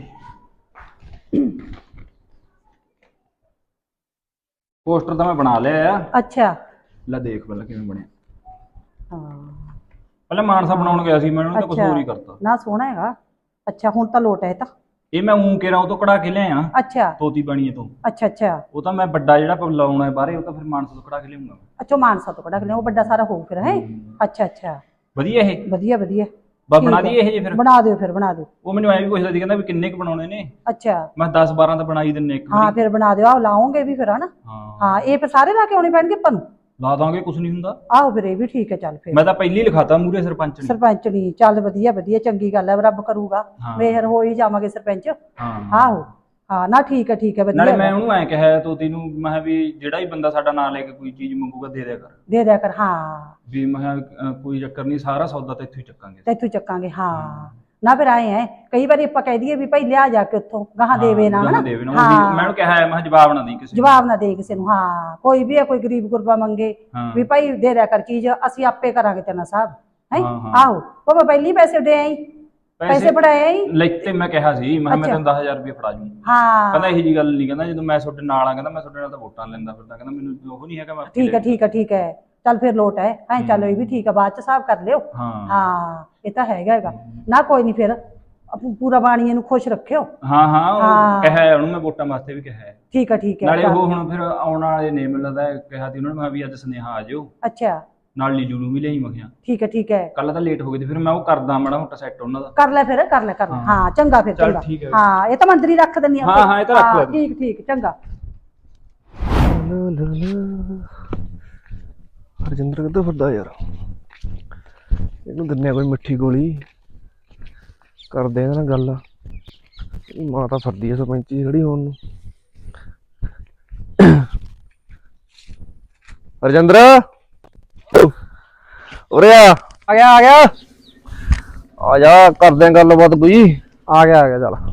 Speaker 3: ਪੋਸਟਰ ਤਾਂ ਮੈਂ ਬਣਾ ਲਿਆ ਆ।
Speaker 4: ਅੱਛਾ
Speaker 3: ਲੈ ਦੇਖ ਪਹਿਲਾਂ ਕਿਵੇਂ ਬਣਿਆ।
Speaker 4: ਹਾਂ
Speaker 3: ਪਹਿਲਾਂ ਮਾਨਸਾ ਬਣਾਉਣ ਗਿਆ ਸੀ ਮੈਂ ਉਹਨੂੰ ਤਾਂ ਕੁਝ
Speaker 4: ਅੱਛਾ
Speaker 3: ਹੋਰ ਹੀ ਕਰਤਾ।
Speaker 4: ਨਾ ਸੋਹਣਾ ਹੈਗਾ ਅੱਛਾ ਹੁਣ ਤਾਂ ਲੋਟ ਹੈ ਇਹ ਤਾਂ
Speaker 3: ਇਹ ਮੈਂ ਊਂ ਕੇਰਾ ਉਹ ਤੋਂ ਕਢਾ ਕੇ ਲਿਆਇਆ
Speaker 4: ਅੱਛਾ
Speaker 3: ਤੋਤੀ ਬਾਣੀਏ ਤੋਂ।
Speaker 4: ਅੱਛਾ ਅੱਛਾ
Speaker 3: ਉਹ ਤਾਂ ਮੈਂ ਵੱਡਾ ਜਿਹੜਾ ਪ- ਲਾਉਣਾ ਹੈ ਬਾਹਰੇ ਉਹ ਤਾਂ ਫਿਰ ਮਾਨਸਾ ਤੋਂ ਕਢਾ ਕੇ ਲਿਆਉਂਗਾ।
Speaker 4: ਅੱਛਾ ਮਾਨਸਾ ਤੋਂ ਕਢਾ ਕੇ ਲਿਆ ਉਹ ਵੱਡਾ ਸਾਰਾ ਹੋਊ ਫਿਰ ਹੈ ਅੱਛਾ ਅੱਛਾ
Speaker 3: ਵਧੀਆ ਇਹ
Speaker 4: ਵਧੀਆ ਵਧੀਆ
Speaker 3: ਬਸ
Speaker 4: ਠੀਕ
Speaker 3: ਬਣਾ
Speaker 4: ਹੈ।
Speaker 3: ਦਈਏ ਇਹ ਜੇ ਫਿਰ।
Speaker 4: ਬਣਾ ਦਿਓ ਫਿਰ ਬਣਾ ਦਿਓ
Speaker 3: ਉਹ ਮੈਨੂੰ ਐਂ ਵੀ ਪੁੱਛਦਾ ਸੀ ਕਹਿੰਦਾ ਵੀ ਕਿੰਨੇ ਕੁ ਬਣਾਉਣੇ ਨੇ।
Speaker 4: ਅੱਛਾ
Speaker 3: ਮੈਂ ਦਸ ਬਾਰਾਂ ਤਾਂ ਬਣਾ ਹੀ ਦਿੰਨੇ ਇੱਕ
Speaker 4: ਹਾਂ
Speaker 3: ਵਾਰੀ।
Speaker 4: ਫਿਰ ਬਣਾ ਦਿਓ ਆਹ ਲਾਉਂਗੇ ਵੀ ਫਿਰ ਹਨਾ
Speaker 3: ਹਾਂ
Speaker 4: ਹਾਂ ਇਹ ਫਿਰ ਸਾਰੇ ਲਾ ਕੇ ਆਉਣੇ ਪੈਣਗੇ ਆਪਾਂ ਨੂੰ।
Speaker 3: ਲਾ ਦਾਂਗੇ ਕੁਝ ਨਹੀਂ ਹੁੰਦਾ।
Speaker 4: ਆਹੋ ਫਿਰ ਇਹ ਵੀ ਠੀਕ ਹੈ ਚੱਲ ਫਿਰ
Speaker 3: ਮੈਂ ਤਾਂ ਪਹਿਲੀ ਲਿਖਾਤਾ ਮੂਰੇ ਸਰਪੰਚ ਨੇ।
Speaker 4: ਸਰਪੰਚ ਨਹੀਂ ਚੱਲ ਵਧੀਆ ਵਧੀਆ ਚੰਗੀ ਗੱਲ ਹੈ ਰੱਬ ਕਰੂਗਾ
Speaker 3: ਹਾਂ।
Speaker 4: ਮੇਹਰ ਹੋ ਹੀ ਜਾਵਾਂਗੇ ਸਰਪੰਚ।
Speaker 3: ਹਾਂ
Speaker 4: ਆਹੋ ਹਾਂ ਨਾ ਠੀਕ ਹੈ ਠੀਕ ਹੈ
Speaker 3: ਨਾਲੇ
Speaker 4: ਵਧੀਆ
Speaker 3: ਮੈਂ
Speaker 4: ਹੈਗਾ।
Speaker 3: ਉਹਨੂੰ ਐਂ ਕਿਹਾ ਤੋਤੀ ਨੂੰ ਮੈਂ ਕਿਹਾ ਵੀ ਜਿਹੜਾ ਹੀ ਬੰਦਾ ਸਾਡਾ ਨਾਂ ਲੈ ਕੇ ਕੋਈ ਚੀਜ਼ ਮੰਗੂਗਾ ਦੇ ਦਿਆ ਕਰ।
Speaker 4: ਦੇ ਦਿਆ ਕਰ ਹਾਂ
Speaker 3: ਵੀ ਮੈਂ ਕਿਹਾ ਅ, ਕੋਈ ਚੱਕਰ ਨਹੀਂ ਸਾਰਾ ਸੌਦਾ ਤਾਂ ਇੱਥੋਂ ਹੀ ਚੱਕਾਂਗੇ।
Speaker 4: ਤੇ ਇੱਥੋਂ ਚੱਕਾਂਗੇ ਹਾਂ ਨਾ ਫਿਰ ਆਏ ਹੈ ਕਈ ਵਾਰੀ ਆਪਾਂ ਕਹਿ ਦਈਏ ਵੀ ਭਾਈ ਲਿਆ ਜਾ ਕੇ ਉੱਥੋਂ ਗਾਹਾਂ ਦੇਵੇ ਨਾ ਹਨਾ
Speaker 3: ਦੇਵੇ ਨਾ ਉਹੀ ਮੈਂ ਉਹਨੂੰ ਕਿਹਾ ਹੈ, ਮੈਂ ਕਿਹਾ ਜਵਾਬ ਨਾ ਦੇ ਕਿਸੇ ਨੂੰ।
Speaker 4: ਜਵਾਬ ਨਾ ਦੇ ਕਿਸੇ ਨੂੰ। ਹਾਂ ਕੋਈ ਵੀ ਹੈ ਕੋਈ ਗਰੀਬ ਗੁਰਬਾ ਮੰਗੇ
Speaker 3: ਹਾਂ।
Speaker 4: ਵੀ ਭਾਈ ਦੇ ਦਿਆ ਕਰ ਚੀਜ਼, ਅਸੀਂ ਆਪੇ ਕਰਾਂਗੇ ਤੇਨਾ ਸਾਹਿਬ ਹੈ।
Speaker 3: ਹਾਂ, ਹਾਂ।
Speaker 4: ਆਹੋ ਉਹ ਪਹਿਲੀ ਪੈਸੇ ਦੇ ਆਈ, ਪੈਸੇ ਫੜਾਏ ਆਈ।
Speaker 3: ਲੈਤੇ ਮੈਂ ਕਿਹਾ ਸੀ, ਮੈਂ ਕਿਹਾ ਮੈਂ
Speaker 4: ਅੱਛਾ।
Speaker 3: ਤੈਨੂੰ ਦਸ ਹਜ਼ਾਰ ਰੁਪਏ ਫੜਾ ਜੂ।
Speaker 4: ਹਾਂ
Speaker 3: ਕਹਿੰਦਾ ਇਹੋ ਜੀ ਗੱਲ ਨਹੀਂ, ਕਹਿੰਦਾ ਜਦੋਂ ਮੈਂ ਤੁਹਾਡੇ ਨਾਲ ਆ, ਕਹਿੰਦਾ ਮੈਂ ਤੁਹਾਡੇ ਨਾਲ ਤਾਂ ਵੋਟਾਂ ਲੈਂਦਾ ਫਿਰਦਾ, ਕਹਿੰਦਾ ਮੈਨੂੰ ਉਹ ਨਹੀਂ ਹੈਗਾ ਮੈਂ
Speaker 4: ਠੀਕ ਹੈ ਠੀਕ ਹੈ ਠੀਕ ਹੈ ਚੱਲ ਫਿਰ ਲੋਟ ਹੈ ਐ ਚੱਲ ਇਹ ਵੀ ਠੀਕ ਹੈ, ਬਾਅਦ ਚ ਹਿਸਾਬ ਕਰ ਲਿਓ।
Speaker 3: ਹਾਂ
Speaker 4: ਹਾਂ ਇਹ ਤਾਂ ਹੈਗਾ ਹੈਗਾ ਨਾ ਕੋਈ ਨਹੀਂ ਫਿਰ ਆਪੂ ਪੂਰਾ ਬਾਣੀਏ ਨੂੰ ਖੁਸ਼ ਰੱਖਿਓ।
Speaker 3: ਹਾਂ ਹਾਂ ਉਹ
Speaker 4: ਹਾਂ।
Speaker 3: ਕਿਹਾ ਹੈ ਉਹਨੂੰ ਮੈਂ ਵੋਟਾਂ ਵਾਸਤੇ ਵੀ ਕਿਹਾ ਹੈ।
Speaker 4: ਠੀਕ ਹੈ ਠੀਕ ਹੈ
Speaker 3: ਨਾਲੇ
Speaker 4: ਚੱਲ।
Speaker 3: ਉਹ ਹੁਣ ਫਿਰ ਆਉਣ ਵਾਲੇ ਨੇ ਮੈਨੂੰ ਲੱਗਦਾ ਕਿਹਾ ਸੀ ਉਹਨਾਂ ਨੇ, ਮੈਂ ਵੀ ਅੱਜ ਸੁਨੇਹਾ ਆ ਜਾਓ
Speaker 4: ਅੱਛਾ
Speaker 3: ਨਾਲ ਲੀਲੂ ਨੂੰ ਵੀ ਲਈ ਮੈਂ ਕਿਹਾ
Speaker 4: ਠੀਕ ਹੈ ਠੀਕ ਹੈ
Speaker 3: ਕੱਲ ਤਾਂ ਲੇਟ ਹੋ ਗਈ ਤੇ ਫਿਰ ਮੈਂ ਉਹ ਕਰਦਾ ਮਾੜਾ ਮੋਟਾ ਸੈੱਟ ਉਹਨਾਂ ਦਾ।
Speaker 4: ਕਰ ਲੈ ਫਿਰ ਕਰ ਲੈ ਕਰ ਲੈ ਹਾਂ ਚੰਗਾ ਫਿਰ
Speaker 3: ਚੱਲ
Speaker 4: ਚੰਗਾ
Speaker 3: ਠੀਕ ਹੈ।
Speaker 4: ਹਾਂ ਇਹ ਤਾਂ ਮੰਤਰੀ ਰੱਖ ਦਿੰਦੀ ਆ
Speaker 3: ਹਾਂ, ਹਾਂ, ਇਹ ਤਾਂ ਰੱਖ ਲੈ ਤੂੰ।
Speaker 4: ਠੀਕ ਠੀਕ ਚੰਗਾ।
Speaker 5: ਹਰਜਿੰਦਰ ਕਿੱਥੇ ਫਿਰਦਾ ਯਾਰ, ਇਹਨੂੰ ਦਿੰਨੇ ਆ ਕੋਈ ਮਿੱਠੀ ਗੋਲੀ, ਕਰਦੇ ਇਹਦੇ ਨਾਲ ਗੱਲ। ਇਹਦੀ ਮਾਂ ਤਾਂ ਫਿਰਦੀ ਆ ਸਰਪੰਚੀ ਖੜੀ ਹੋਣ ਨੂੰ। ਹਰਜਿੰਦਰ ਉਰੇ ਆ
Speaker 6: ਆ ਗਿਆ ਆ ਗਿਆ
Speaker 5: ਆ ਜਾ, ਕਰਦੇ ਆ ਗੱਲਬਾਤ ਕੋਈ।
Speaker 6: ਆ ਗਿਆ ਆ ਗਿਆ ਚੱਲ।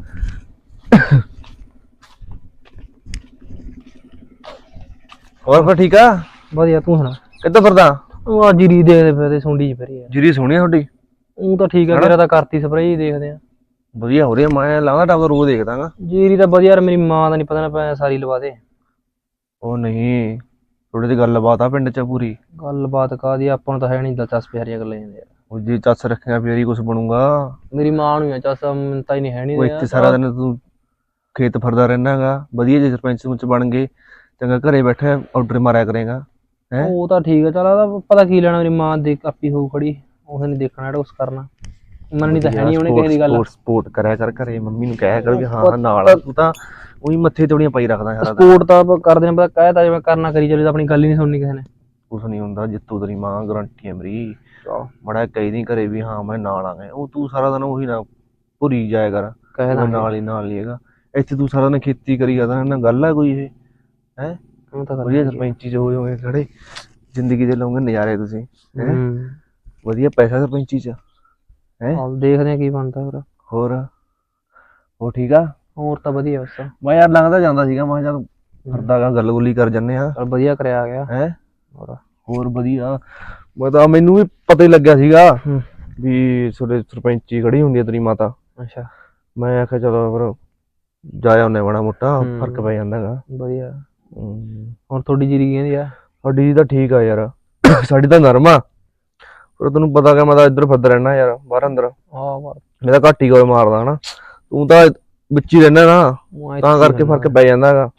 Speaker 5: ਹੋਰ ਫਿਰ ਠੀਕ ਆ?
Speaker 6: ਵਧੀਆ ਤੂੰ ਸੁਣਾ।
Speaker 5: ਕਿੱਧਰ ਫਿਰਦਾ?
Speaker 6: ਉਹ ਆ ਜੀਰੀ ਦੇਖਦੇ ਫਿਰਦੇ ਸੁੰਡੀ ਚ ਫਿਰੀ ਯਾਰ।
Speaker 5: ਜੀਰੀ ਸੋਹਣੀ ਆ ਤੁਹਾਡੀ।
Speaker 6: ਉਹ ਤਾਂ ਠੀਕ ਆ, ਮੇਰਾ ਤਾਂ ਕਰਤੀ ਸਪਰੇਅ ਹੀ ਦੇਖਦੇ ਆ।
Speaker 5: ਵਧੀਆ ਹੋ ਰਹੀ ਆ, ਮੈਂ ਲਾਉਂਦਾ ਟਾਪ ਰੋਜ਼ ਦੇਖਦਾਗਾ।
Speaker 6: ਜੀਰੀ ਤਾਂ ਵਧੀਆ ਯਾਰ, ਮੇਰੀ ਮਾਂ ਦਾ ਨਹੀਂ ਪਤਾ ਨਾ ਪੈ ਸਾਰੀ ਲਵਾ ਦੇ।
Speaker 5: ਉਹ ਨਹੀਂ ਥੋੜੀ ਜਿਹੀ ਗੱਲਬਾਤ ਆ ਪਿੰਡ ਚ ਪੂਰੀ।
Speaker 6: ਗੱਲਬਾਤ ਕਾਹਦੀ, ਆਪਾਂ ਨੂੰ ਤਾਂ ਹੈ ਨਹੀਂ ਦਿਲਚਸਪ ਹਰੀਆਂ ਗੱਲਾਂ ਜਾਂਦੇ ਯਾਰ।
Speaker 5: ਉਹ ਜੇ ਚੱਸ ਰੱਖਿਆ ਫੇਰ ਹੀ ਕੁਛ ਬਣੂਗਾ।
Speaker 6: ਮੇਰੀ ਮਾਂ ਨੂੰ ਆ ਚੱਸ ਮਿੰਤਾ ਹੀ ਨਹੀਂ ਹੈ
Speaker 5: ਉਹ
Speaker 6: ਨਹੀਂ।
Speaker 5: ਇੱਥੇ ਸਾਰਾ ਦਿਨ ਤੂੰ ਖੇਤ ਫਿਰਦਾ ਰਹਿਣਾਗਾ, ਵਧੀਆ ਜੇ ਸਰਪੰਚ ਸਰਪੰਚ ਬਣ ਗਏ ਚੰਗਾ, ਘਰੇ ਬੈਠਾ ਆਰਡਰ ਮਾਰਿਆ ਕਰੇਗਾ। ਹੈਂ
Speaker 6: ਉਹ ਤਾਂ ਠੀਕ ਆ, ਚੱਲ ਉਹਦਾ ਪਤਾ ਕੀ ਲੈਣਾ, ਮੇਰੀ ਮਾਂ ਦੇ ਕਾਪੀ ਹੋਊ ਖੜੀ, ਉਹਨੇ ਨਹੀਂ ਦੇਖਣਾ ਜਿਹੜਾ ਕੁਛ ਕਰਨਾ। ਮੰਨਣੀ ਤਾਂ ਹੈ ਨਹੀਂ ਉਹਨੇ ਕਿਸੇ ਦੀ ਗੱਲ।
Speaker 5: ਸਪੋਰਟ ਸਪੋਰਟ ਕਰਿਆ ਕਰ ਘਰੇ, ਮੰਮੀ ਨੂੰ ਕਹਿਆ ਕਰ ਵੀ ਹਾਂ ਨਾਲ ਆ, ਤੂੰ ਤਾਂ ਉਹੀ ਮੱਥੇ ਤੋੜੀਆਂ ਪਾਈ ਰੱਖਦਾ ਸਾਰਾ ਦਿਨ।
Speaker 6: ਸਪੋਰਟ ਤਾਂ ਆਪਾਂ ਕਰਦੇ ਨੇ, ਪਤਾ ਕਹਿਤਾ ਜਿਵੇਂ ਕਰਨਾ ਕਰੀ ਚੱਲੇ, ਤਾਂ ਆਪਣੀ ਗੱਲ ਹੀ ਨਹੀਂ ਸੁਣਨੀ ਕਿਸੇ ਨੇ।
Speaker 5: ਕੁਛ ਨਹੀਂ ਹੁੰਦਾ, ਜਿੱਤੂ ਤੇਰੀ ਮਾਂ ਗਰੰਟੀ ਹੈ ਮੇਰੀ। ਮੜਾ ਕਹੀ ਨਹੀਂ ਘਰੇ ਵੀ ਹਾਂ ਮੈਂ ਨਾਲ ਆ ਗਿਆ, ਉਹ ਤੂੰ ਸਾਰਾ ਦਿਨ ਉਹੀ ਨਾ ਭੁਰੀ ਜਾਇਆ ਕਰ,
Speaker 6: ਕਹਿ
Speaker 5: ਉਹ ਨਾਲ ਹੀ ਨਾਲ ਹੀ ਹੈਗਾ। ਇੱਥੇ ਤੂੰ ਸਾਰਾ ਦਿਨ ਖੇਤੀ ਕਰੀ ਜਾਂਦਾ ਨਾ, ਗੱਲ ਆ ਕੋਈ ਇਹ ਹੈ?
Speaker 6: ਉਹ ਤਾਂ
Speaker 5: ਵਧੀਆ ਸਰਪੰਚੀ ਚ ਹੋਏ ਹੋਏ ਖੜੇ, ਜ਼ਿੰਦਗੀ ਦੇ ਲਓਗੇ ਨਜ਼ਾਰੇ ਤੁਸੀਂ। ਹੈਂ
Speaker 6: ਹੂੰ
Speaker 5: ਵਧੀਆ ਪੈਸਾ ਸਰਪੰਚੀ ਚ ਹੈ।
Speaker 6: ਚੱਲ ਦੇਖਦੇ ਆ ਕੀ ਬਣਦਾ ਹੋਰ।
Speaker 5: ਹੋਰ ਉਹ ਠੀਕ ਆ?
Speaker 6: ਹੋਰ ਤਾਂ ਵਧੀਆ ਬਸ।
Speaker 5: ਮੈਂ ਯਾਰ ਲੰਘਦਾ ਜਾਂਦਾ ਸੀਗਾ, ਮੈਂ ਕਿਹਾ ਚੱਲ ਫਿਰਦਾ ਗਾ, ਗੱਲ ਗੁੱਲੀ ਕਰ ਜੰਨੇ ਆ।
Speaker 6: ਚੱਲ ਵਧੀਆ ਕਰਿਆ ਆ ਗਿਆ।
Speaker 5: ਹੈ
Speaker 6: ਹੋਰ
Speaker 5: ਹੋਰ ਵਧੀਆ। ਮੈਂ ਤਾਂ ਮੈਨੂੰ ਵੀ ਪਤਾ ਹੀ ਲੱਗਿਆ ਸੀਗਾ
Speaker 6: ਹੂੰ।
Speaker 5: ਵੀ ਤੁਹਾਡੇ ਸਰਪੰਚੀ ਖੜੀ ਹੁੰਦੀ ਆ ਤੇਰੀ ਮਾਤਾ।
Speaker 6: ਅੱਛਾ
Speaker 5: ਮੈਂ ਆਖਿਆ ਚਲੋ ਫਿਰ ਜਾਇਆ ਉਹਨੇ ਮਾੜਾ ਮੋਟਾ
Speaker 6: ਹੂੰ।
Speaker 5: ਫਰਕ ਪੈ ਜਾਂਦਾ ਗਾ।
Speaker 6: ਵਧੀਆ।
Speaker 5: ਹੂੰ।
Speaker 6: ਹੁਣ ਤੁਹਾਡੀ ਜੀਰੀ ਕਹਿੰਦੀ ਆ?
Speaker 5: ਸਾਡੀ ਤਾਂ ਠੀਕ ਆ ਯਾਰ, ਸਾਡੀ ਤਾਂ ਨਰਮ ਆ, ਪਰ ਤੈਨੂੰ ਪਤਾ ਕਿ ਮੈਂ ਤਾਂ ਇੱਧਰ ਫਿਰਦਾ ਰਹਿਣਾ ਯਾਰ, ਬਾਹਰ ਅੰਦਰ।
Speaker 6: ਆਹ
Speaker 5: ਮੈਂ ਤਾਂ ਘੱਟ ਹੀ ਗੋਲ ਮਾਰਦਾ ਹਨਾ, ਤੂੰ ਤਾਂ ਵਿੱਚ ਹੀ ਰਹਿਣਾ ਨਾ, ਤਾਂ ਕਰਕੇ ਫਰਕ ਪੈ ਜਾਂਦਾ ਗਾ।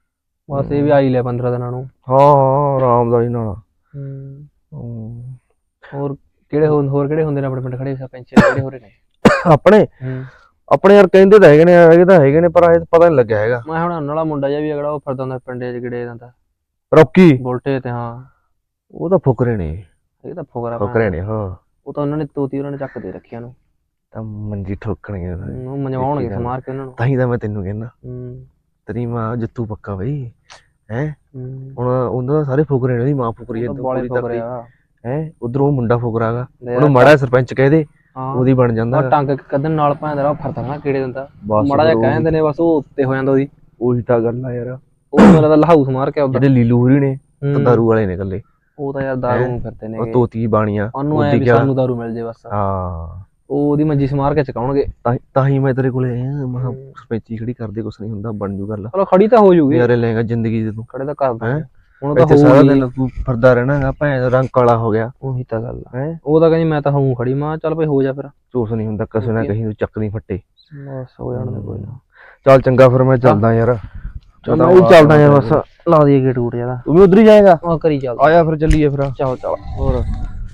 Speaker 6: ਬਸ ਇਹ ਵੀ ਆਈ ਲਿਆ ਪੰਦਰਾਂ ਦਿਨਾਂ ਨੂੰ।
Speaker 5: ਹਾਂ ਹਾਂ ਆਰਾਮ ਦਾ ਹੀ ਨਾਲ।
Speaker 6: ਹੂੰ।
Speaker 5: ਹੂੰ।
Speaker 6: ਹੋਰ ਕਿਹੜੇ ਹੋਰ ਹੋਰ ਕਿਹੜੇ ਹੁੰਦੇ ਨੇ ਆਪਣੇ ਪਿੰਡ ਖੜੇ ਸਰਪੰਚ ਕਿਹੜੇ ਹੋ ਰਹੇ ਨੇ?
Speaker 5: ਆਪਣੇ
Speaker 6: ਹੂੰ।
Speaker 5: ਆਪਣੇ ਯਾਰ ਕਹਿੰਦੇ ਤਾਂ ਹੈਗੇ ਨੇ, ਹੈਗੇ ਤਾਂ ਹੈਗੇ ਨੇ, ਪਰ ਇਹ ਪਤਾ ਨਹੀਂ ਲੱਗਿਆ ਹੈਗਾ।
Speaker 6: ਮੈਂ ਹੁਣ ਨਾਲਾ ਮੁੰਡਾ ਜਿਹਾ ਵੀ ਅਗੜਾ ਉਹ ਫਿਰਦਾ ਹੁੰਦਾ ਪਿੰਡੇ ਚ ਗਿੜੇ ਜਾਂਦਾ
Speaker 5: ਰੌਕੀ
Speaker 6: ਬੋਲਟੇ ਤੇ। ਹਾਂ
Speaker 5: ਉਹ ਤਾਂ ਫੁਕਰੇ ਨੇ,
Speaker 6: ਇਹ ਤਾਂ ਫੁਕਰਾ
Speaker 5: ਫੁਕਰੇ ਨੇ। ਹਾਂ
Speaker 6: ਉਹ ਤਾਂ ਉਹਨਾਂ ਨੇ ਤੋਤੀ ਉਹਨਾਂ ਨੇ ਚੱਕ ਦੇ ਰੱਖਿਆ ਨੂੰ,
Speaker 5: ਤਾਂ ਮੰਜੀ ਠੋਕਣਗੇ,
Speaker 6: ਉਹ ਮਨਵਾਉਣਗੇ ਸਮਾਰ ਕੇ ਉਹਨਾਂ ਨੂੰ।
Speaker 5: ਤਾਂ ਹੀ ਤਾਂ ਮੈਂ ਤੈਨੂੰ ਕਹਿੰਦਾ
Speaker 6: ਹੂੰ
Speaker 5: ਤੇਰੀ ਮਾਂ ਜਿੱਤੂ ਪੱਕਾ ਬਈ। ਹੈ
Speaker 6: ਹੂੰ।
Speaker 5: ਹੁਣ ਉਹਨਾਂ ਦਾ ਸਾਰੇ ਫੁਕਰੇ ਨੇ, ਉਹਦੀ ਮਾਂ ਫੁਕਰੀ ਹੈ,
Speaker 6: ਬਾਲੇ ਫੁਕਰੇ ਆ।
Speaker 5: ਹੈ ਉਧਰੋਂ ਉਹ ਮੁੰਡਾ ਫੁਕਰਾ ਗਾ, ਉਹਨੂੰ ਮਾੜਾ ਸਰਪੰਚ ਕਹਿ ਦੇ
Speaker 6: ਹਾਂ
Speaker 5: ਉਹਦੀ ਬਣ ਜਾਂਦਾ।
Speaker 6: ਉਹ ਟੰਗ ਕਦਨ ਨਾਲ ਭਾਂਦਾ ਰਾ ਫਰਦਾ ਨਾ ਕਿਹੜੇ ਦਿੰਦਾ,
Speaker 5: ਬਸ
Speaker 6: ਮਾੜਾ ਜਿਹਾ
Speaker 5: ਫਿਰ
Speaker 6: ਕਹਿ ਦਿੰਦੇ ਨੇ ਬਸ ਉਹ ਉੱਤੇ ਹੋ ਜਾਂਦਾ ਉਹਦੀ।
Speaker 5: ਉਹੀ ਤਾਂ ਗੱਲ ਆ ਯਾਰ,
Speaker 6: ਉਹ ਮੇਰਾ ਤਾਂ ਲਹਾਊਸ ਮਾਰ ਕੇ ਉਧਰ।
Speaker 5: ਜਿਹੜੇ ਲੀਲੂ ਹੋਰੀ ਨੇ ਤਾਂ ਦਾਰੂ ਵਾਲੇ ਨੇ ਇਕੱਲੇ,
Speaker 6: ਉਹ ਤਾਂ ਯਾਰ ਦਾਰੂ ਨੂੰ ਫਿਰਦੇ ਨੇ,
Speaker 5: ਉਹ ਤੋਤੀ ਬਾਣੀਆਂ
Speaker 6: ਉਹਨੂੰ ਐ ਵੀ ਸਾਨੂੰ ਦਾਰੂ ਮਿਲ ਜੇ ਬਸ।
Speaker 5: ਹਾਂ
Speaker 6: ਉਹ ਉਹਦੀ ਮੰਜੀ ਸਮਾਰ ਕੇ ਚਕਾਉਣਗੇ।
Speaker 5: ਤਾਂ ਤਾਂ ਹੀ ਮੈਂ ਤੇਰੇ ਕੋਲੇ ਆਇਆ, ਮੈਂ ਕਿਹਾ ਸਰਪੰਚੀ ਖੜੀ ਕਰਦੇ ਕੁਛ ਨਹੀਂ ਹੁੰਦਾ, ਬਣ ਜੂ ਗੱਲ।
Speaker 6: ਚਲੋ ਖੜੀ ਤਾਂ ਹੋ ਜੂਗੀ,
Speaker 5: ਯਾਰੇ ਲੈਗਾ ਜ਼ਿੰਦਗੀ ਦੇ ਤੂੰ।
Speaker 6: ਖੜੇ ਤਾਂ ਕਰਦਾ
Speaker 5: ਹੈਂ?
Speaker 6: ਹੁਣ ਤਾਂ
Speaker 5: ਇੱਥੇ ਸਾਰਾ
Speaker 6: ਹੋਊਗੀ।
Speaker 5: ਦਿਨ ਤੂੰ ਫਿਰਦਾ ਰਹਿਣਾ ਗਾ, ਭੈਣ ਰੰਗ ਕਾਲਾ ਹੋ ਗਿਆ।
Speaker 6: ਉਹੀ ਤਾਂ ਗੱਲ ਆ।
Speaker 5: ਹੈ
Speaker 6: ਉਹ ਤਾਂ ਕਹਿੰਦੀ ਮੈਂ ਤਾਂ ਹੂੰ ਖੜੀ, ਮਾਂ ਚੱਲ ਭਾਈ ਹੋ ਜਾ ਫਿਰ।
Speaker 5: ਚੂਸ ਨਹੀਂ ਹੁੰਦਾ ਕਿਸੇ ਨਾ ਕਹੀਂ, ਤੂੰ ਚੱਕਦੀ ਫੱਟੇ।
Speaker 6: ਬਸ ਹੋ ਜਾਣ ਦੇ ਕੋਈ ਨਾ।
Speaker 5: ਚੱਲ ਚੰਗਾ ਫਿਰ ਮੈਂ ਚੱਲਦਾ ਯਾਰ।
Speaker 6: ਚੱਲ ਮੈਂ ਵੀ ਚੱਲਦਾ ਯਾਰ, ਬਸ ਲਾ ਦਈਏ ਗੇਟ ਗੂਟ ਜਿਆਦਾ।
Speaker 5: ਤੂੰ ਵੀ ਉਧਰ ਹੀ ਜਾਏਗਾ?
Speaker 6: ਆ ਕਰੀ ਚੱਲ
Speaker 5: ਆਇਆ ਫਿਰ ਚੱਲੀਏ ਫਿਰ।
Speaker 6: ਚੱਲ ਚੱਲ।
Speaker 5: ਹੋਰ